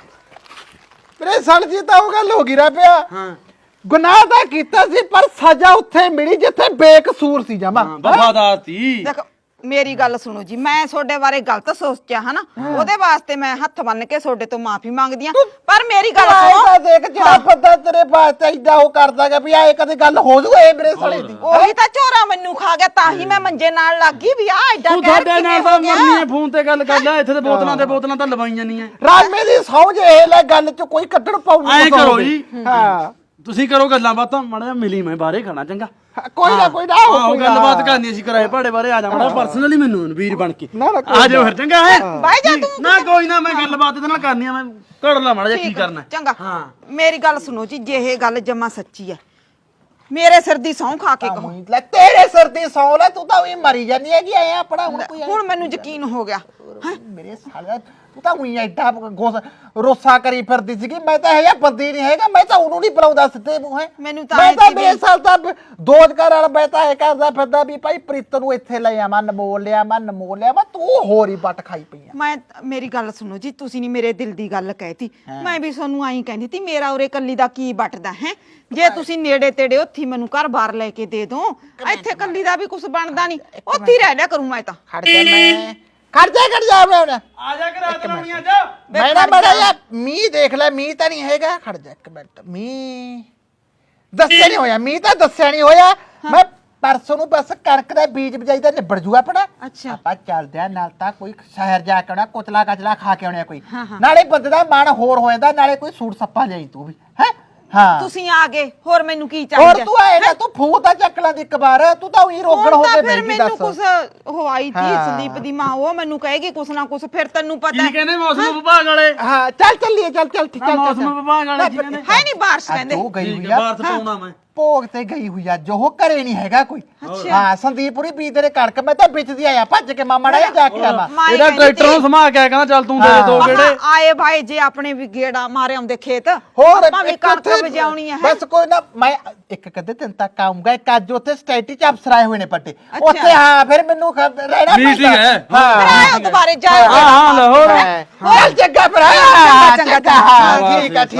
ਮੇਰੇ ਸੜ ਜੀ ਤਾਂ ਉਹ ਗੱਲ ਹੋ ਗਈ ਰਾ ਪਿਆ ਹਾਂ ਗੁਨਾਹ ਤਾਂ ਕੀਤਾ ਸੀ ਪਰ ਸਜ਼ਾ ਉੱਥੇ ਮਿਲੀ ਜਿੱਥੇ ਬੇਕਸੂਰ ਸੀ ਜਮਾ ਵਫਾਦਾਰ ਤੀ ਦੇਖ ਮੇਰੀ ਗੱਲ ਸੁਣੋ ਜੀ ਮੈਂ ਤੁਹਾਡੇ ਬਾਰੇ ਗਲਤ ਸੋਚਿਆ ਹਨਾ ਉਹਦੇ ਵਾਸਤੇ ਮੈਂ ਹੱਥ ਬੰਨ ਕੇ ਤੁਹਾਡੇ ਤੋਂ ਮਾਫੀ ਮੰਗਦੀ ਆ ਪਰ ਮੇਰੀ ਗੱਲ ਸੁਣੋ ਤਾਂ ਦੇਖ ਜਿਹੜਾ ਬੰਦਾ ਤੇਰੇ ਪਾਸ ਏਦਾਂ ਉਹ ਕਰਦਾਗਾ ਵੀ ਆਏ ਕਦੇ ਗੱਲ ਹੋ ਜੂ ਇਹ ਮੇਰੇ ਸਾਲੇ ਦੀ ਉਹੀ ਤਾਂ ਝੋਰਾ ਮੈਨੂੰ ਖਾ ਗਿਆ ਤਾਂ ਹੀ ਮੈਂ ਮੰਜੇ ਨਾਲ ਲੱਗ ਗਈ ਵੀ ਆ ਐਡਾ ਤੂੰ ਕਹਿਰ ਸਾਡੇ ਨਾਲ ਕਿਵੇਂ ਤਾਂ ਹੋ ਗਿਆ ਮਰਨੀ ਹੈ ਫੋਨ ਤੇ ਗੱਲ ਕਰ ਲੈ ਇੱਥੇ ਤੇ ਬੋਤਲਾਂ ਤੇ ਬੋਤਲਾਂ ਤਾਂ ਲਵਾਈਆਂ ਨਹੀਂ ਐ ਰਾਮੇ ਦੀ ਸੌਂ ਜੇ ਇਹ ਲੈ ਗੱਲ ਚ ਕੋਈ ਕੱਢਣ ਪਾਉ ਐਂ ਕਰੋ ਜੀ ਹਾਂ ਤੁਸੀਂ ਕਰੋ ਗੱਲਾਂ ਬਾਤਾਂ ਮਾੜਾ ਜਿਹਾ ਮਿਲੀ ਮੈਂ ਬਾਹਰੇ ਖਾਣਾ ਚੰਗਾ ਕੋਈ ਨਾ ਕੋਈ ਨਾ ਆਹੋ ਗੱਲਬਾਤ ਕਰਨੀ ਸੀ ਕਰਾਏ ਭਾੜੇ ਬਾਰੇ ਆ ਜਾ ਮਾੜਾ ਪਰਸਨਲੀ ਮੈਨੂੰ ਵੀਰ ਬਣ ਕੇ ਨਾ, ਨਾ, ਕੋਈ ਆ ਜਾਓ ਫਿਰ ਚੰਗਾ ਹੈ ਬਾਈ ਜਾ ਤੂੰ ਨਾ ਕੋਈ ਨਾ ਮੈਂ ਗੱਲਬਾਤ ਇਹਦੇ ਨਾਲ ਕਰਨੀ ਆ ਮੈਂ ਘੜ ਲਾ ਮਾੜਾ ਜਿਹਾ ਕੀ ਕਰਨਾ ਚੰਗਾ ਹਾਂ ਮੇਰੀ ਗੱਲ ਸੁਣੋ ਜੀ ਜੇ ਇਹ ਗੱਲ ਜਮਾ ਸੱਚੀ ਹੈ ਮੇਰੇ ਸਿਰ ਦੀ ਸਹੁੰ ਖਾ ਕੇ ਕਹੋ ਲੈ ਤੇਰੇ ਸਿਰ ਦੀ ਸੌ ਲੈ ਤੂੰ ਤਾਂ ਉਹੀ ਮਰੀ ਜਾਨੀ ਹੈਗੀ ਐ ਆਪਣਾ ਹੁਣ ਕੋਈ ਹੁਣ ਮੈਨੂੰ ਯਕੀਨ ਹੋ ਗਿਆ ਮੇਰੇ ਸਾਲੇ ਤੂੰ ਤਾਂ ਉਹੀ ਐਡਾ ਗੋਸ ਰੋਸਾ ਕਰੀ ਫਿਰਦੀ ਸੀਗੀ ਮੈਂ ਤਾਂ ਇਹ ਬੰਦੀ ਨਹੀਂ ਹੈਗਾ ਮੈਂ ਤਾਂ ਉਹਨੂੰ ਨਹੀਂ ਬੁਲਾਉਂਦਾ ਸਿੱਧੇ ਮੂੰਹ ਹੈ ਮੈਨੂੰ ਤਾਂ ਮੈਂ ਐਂ ਤਾਂ ਸੀ ਵੀ- ਬੇਸਾਲ ਤਾਂ ਦੋਜਕਾਰ ਵਾਲਾ ਮੈਂ ਤਾਂ ਇਹ ਕਰਦਾ ਫਿਰਦਾ ਵੀ ਭਾਈ ਪ੍ਰੀਤ ਨੂੰ ਇੱਥੇ ਲੈ ਆਵਾਂ ਨਮੋਲ ਲਿਆ ਮੈਂ ਨਮੋਲ ਲਿਆ ਮੈਂ ਤੂੰ ਹੋਰ ਹੀ ਵੱਟ ਖਾਈ ਪਈ ਆ ਮੈਂ ਮੇਰੀ ਗੱਲ ਸੁਣੋ ਜੀ ਤੁਸੀਂ ਨਹੀਂ ਮੇਰੇ ਦਿਲ ਦੀ ਗੱਲ ਕਹਿਤੀ ਮੈਂ ਵੀ ਤੁਹਾਨੂੰ ਆਈ ਕਹਿੰਦੀ ਤੀ ਮੇਰਾ ਉਰੇ ਕੱਲੀ ਦਾ ਕੀ ਵੱਟਦਾ ਹੈ ਜੇ ਤੁਸੀਂ ਨੇੜੇ ਤੇੜੇ ਉੱਥੀ ਮੈਨੂੰ ਘਰ ਬਾਰ ਲੈ ਕੇ ਦੇ ਦੋ ਇੱਥੇ ਕੱਲੀ ਦਾ ਵੀ ਕੁਝ ਬਣਦਾ ਨਹੀਂ ਉੱਥੀ ਰਹਿ ਲਿਆ ਕਰੂੰ ਮੈਂ ਤਾਂ ਖੜ ਜਾ ਮੈਂ ਖੜ ਜਾ ਖੜ ਜਾ ਮੈਂ ਆ ਜਾ ਕੇ ਰਾਤ ਲਾਉਣੀ ਅੱਜ ਮੈਂ ਨਾ ਬੜਾ ਯਾ ਮੀਂਹ ਦੇਖ ਲੈ ਮੀਂਹ ਤਾਂ ਨਹੀਂ ਹੈਗਾ ਖੜ ਜਾ ਇੱਕ ਮਿੰਟ ਮੀਂਹ ਦੱਸਿਆ ਨਹੀਂ ਹੋਇਆ ਮੀਂਹ ਤਾਂ ਦੱਸਿਆ ਨਹੀਂ ਹੋਇਆ ਮੈਂ ਪਰਸੋਂ ਨੂੰ ਬਸ ਕਣਕ ਦਾ ਬੀਜ ਬਜਾਈ ਦਾ ਨਿਬੜ ਜੂਗਾ ਆਪਣਾ ਅੱਛਾ ਆਪਾਂ ਚੱਲਦੇ ਆ ਨਾਲ ਤਾਂ ਕੋਈ ਸ਼ਹਿਰ ਜਾ ਕੇ ਆਉਣਾ ਕੁਚਲਾ ਕਚਲਾ ਖਾ ਕੇ ਆਉਣਾ ਕੋਈ ਨਾਲੇ ਬੰਦੇ ਦਾ ਮਨ ਹੋਰ ਹੋ ਜਾਂਦਾ ਨਾਲੇ ਕੋਈ ਸੂਟ ਸੱਪਾ ਲਈ ਤੂੰ ਵੀ ਹੈ ਹਾਂ ਤੁਸੀਂ ਆ ਗਏ ਹੋਰ ਮੈਨੂੰ ਕੀ ਹੋਰ ਚਾਹੀਦਾ ਤੂੰ ਆਏ ਨਾ ਤੂੰ ਫੂ ਤਾਂ ਚੱਕ ਲਾਂ ਦੀ ਇੱਕ ਵਾਰ ਤੂੰ ਤਾਂ ਉਹੀ ਰੋਗਣ ਹੋ ਹੁਣ ਕੇ ਤਾਂ ਫਿਰ ਬੈਠੀ ਮੈਨੂੰ ਕੁਛ ਦੱਸ ਹੋਈ ਤੀ ਹਾਂ। ਸੰਦੀਪ ਦੀ ਮਾਂ ਉਹ ਮੈਨੂੰ ਕਹੇਗੀ ਕੁਛ ਨਾ ਕੁਛ ਫਿਰ ਤੈਨੂੰ ਪਤਾ ਕੀ ਹੈ ਕਹਿੰਦੇ ਮੌਸਮ ਵਿਭਾਗ ਵਾਲੇ ਹਾਂ ਚੱਲ ਚੱਲੀਏ ਚੱਲ ਚੱਲ ਠੀਕ ਚੱਲ ਮੌਸਮ ਵਿਭਾਗ ਵਾਲੇ ਕੀ ਕਹਿੰਦੇ ਹੈ ਨਹੀਂ ਬਾਰਿਸ਼ ਕਹਿੰਦੇ ਜੋ ਗਈ ਠੀਕ ਹੋਈ ਹੈ ਆ ਬਾਹਰ ਪਾਉਣਾ ਮੈਂ ਭੋਗ ਤੇ ਗਈ ਹੋਈ ਆ ਜੋ ਘਰੇ ਨਹੀਂ ਹੈਗਾ ਕੋਈ ਅੱਛਾ। ਹਾਂ ਸੰਦੀਪੁਰੀ ਬੀਜ ਦੇ ਕਣਕ ਮੈਂ ਤਾਂ ਵਿੱਚਦੀ ਆਇਆ ਭੱਜ ਕੇ ਮਾਮਾ ੜਾ ਜਾ ਕੇ ਆਵਾ ਮਾਂ ਇਹ ਇਹਦਾ ਕਹਿੰਦੀ ਟਰੈਕਟਰ ਨੂੰ ਤੀ, ਸਮਾ ਕੇ ਕਹਿੰਦਾ ਚੱਲ ਤੂੰ ਦੇ ਦੇ ਦੋ ਮਹਾਂ ਗੇੜੇ ਆਏ ਭਾਈ ਜੇ ਆਪਣੇ ਵੀ ਗੇੜਾ ਮਾਰੇ ਆਉਂਦੇ ਖੇਤ ਹੋਰ ਆਪਾਂ ਵੀ ਇੱਕ ਕਣਕ ਉੱਥੇ- ਵਜਾਉਣੀ ਹੈ ਬਸ ਕੋਈ ਨਾ ਮੈਂ ਇੱਕ ਕਦੇ ਦਿਨ ਤੱਕ ਆਉਂਗਾ ਇੱਕ ਅੱਜ ਉੱਥੇ ਸਟੇਟੀ ਚ ਅਫਸਰ ਆਏ ਹੋਏ ਨੇ ਪੱਟੇ ਉੱਥੇ ਹਾਂ ਫਿਰ ਮੈਨੂੰ ਖ- ਰਹਿਣਾ Meeting ਪੈਂਦਾ। ਹੈ। ਫਿਰ ਹਾਂ ਆਇਓ ਦੁਬਾਰੇ ਜਾਇਓ ਹਾਂ ਹਾਂ ਲਾਹੌਰ ਚੱਲ ਚੰਗਾ ਫਿਰ ਚੰਗਾ, ਚੰਗਾ, ਚੰਗਾ ਹਾਂ ਠੀਕ ਆ ਠੀਕ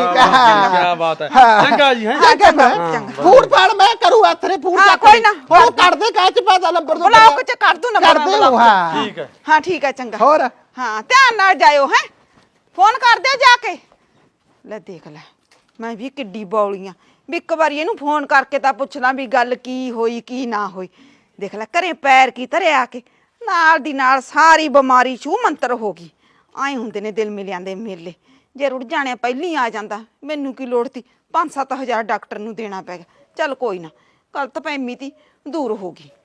ਆ ਕੀ ਬਾਤ ਹੈ ਹਾਂ। ਚੰਗਾ ਜੀ ਹੈ ਚੰਗਾ ਫਿਰ ਫੂਡ ਪਾੜ ਮੈਂ ਕਰੂ ਹੱਥਰੇ ਫੂਡ ਹਾਂ, ਚੱਕ ਕੋਈ ਨਾ। ਹੋਰ ਕੱਢ ਦੇ ਕਾਚ ਪਾਦਾ ਨੰਬਰ ਦੋ ਬਲੌਕ ਚ ਕਰ ਦੂੰ ਨੰਬਰ ਕਰ ਦੇ ਬਲੌਕ ਚ। ਹਾਂ ਠੀਕ ਹੈ ਹਾਂ ਠੀਕ ਹੈ ਚੰਗਾ ਹੋਰ ਹਾਂ ਧਿਆਨ ਨਾਲ ਜਾਇਓ ਹੈ ਫੋਨ ਕਰ ਦਿਓ ਜਾ ਕੇ ਲੈ ਦੇਖ ਲੈ ਮੈਂ ਵੀ ਕਿੱਡੀ ਬੌਲੀਆਂ ਵੀ ਇੱਕ ਵਾਰੀ ਇਹਨੂੰ ਫੋਨ ਕਰਕੇ ਤਾਂ ਪੁੱਛ ਲਾਂ ਵੀ ਗੱਲ ਕੀ ਹੋਈ ਕੀ ਨਾ ਹੋਈ ਦੇਖ ਲੈ ਘਰੇ ਪੈਰ ਕੀ ਧਰਿਆ ਆ ਕੇ ਨਾਲ ਦੀ ਨਾਲ ਸਾਰੀ ਬਿਮਾਰੀ ਛੂ ਮੰਤਰ ਹੋ ਗਈ ਆਏ ਹੁੰਦੇ ਨੇ ਦਿਲ ਮਿਲਿਆਂ ਦੇ ਮੇਲੇ ਜੇ ਰੁੜ ਜਾਣੇ ਪਹਿਲੀ ਆ ਜਾਂਦਾ ਮੈਨੂੰ ਕੀ ਲੋੜ ਤੀ ਪੰਜ ਸੱਤ ਹਜ਼ਾਰ ਡਾਕਟਰ ਨੂੰ ਦੇਣਾ ਪੈ ਗਿਆ ਚੱਲ ਕੋਈ ਨਾ ਗਲਤ ਫਹਿਮੀ ਤੀ ਦੂਰ ਹੋ ਗਈ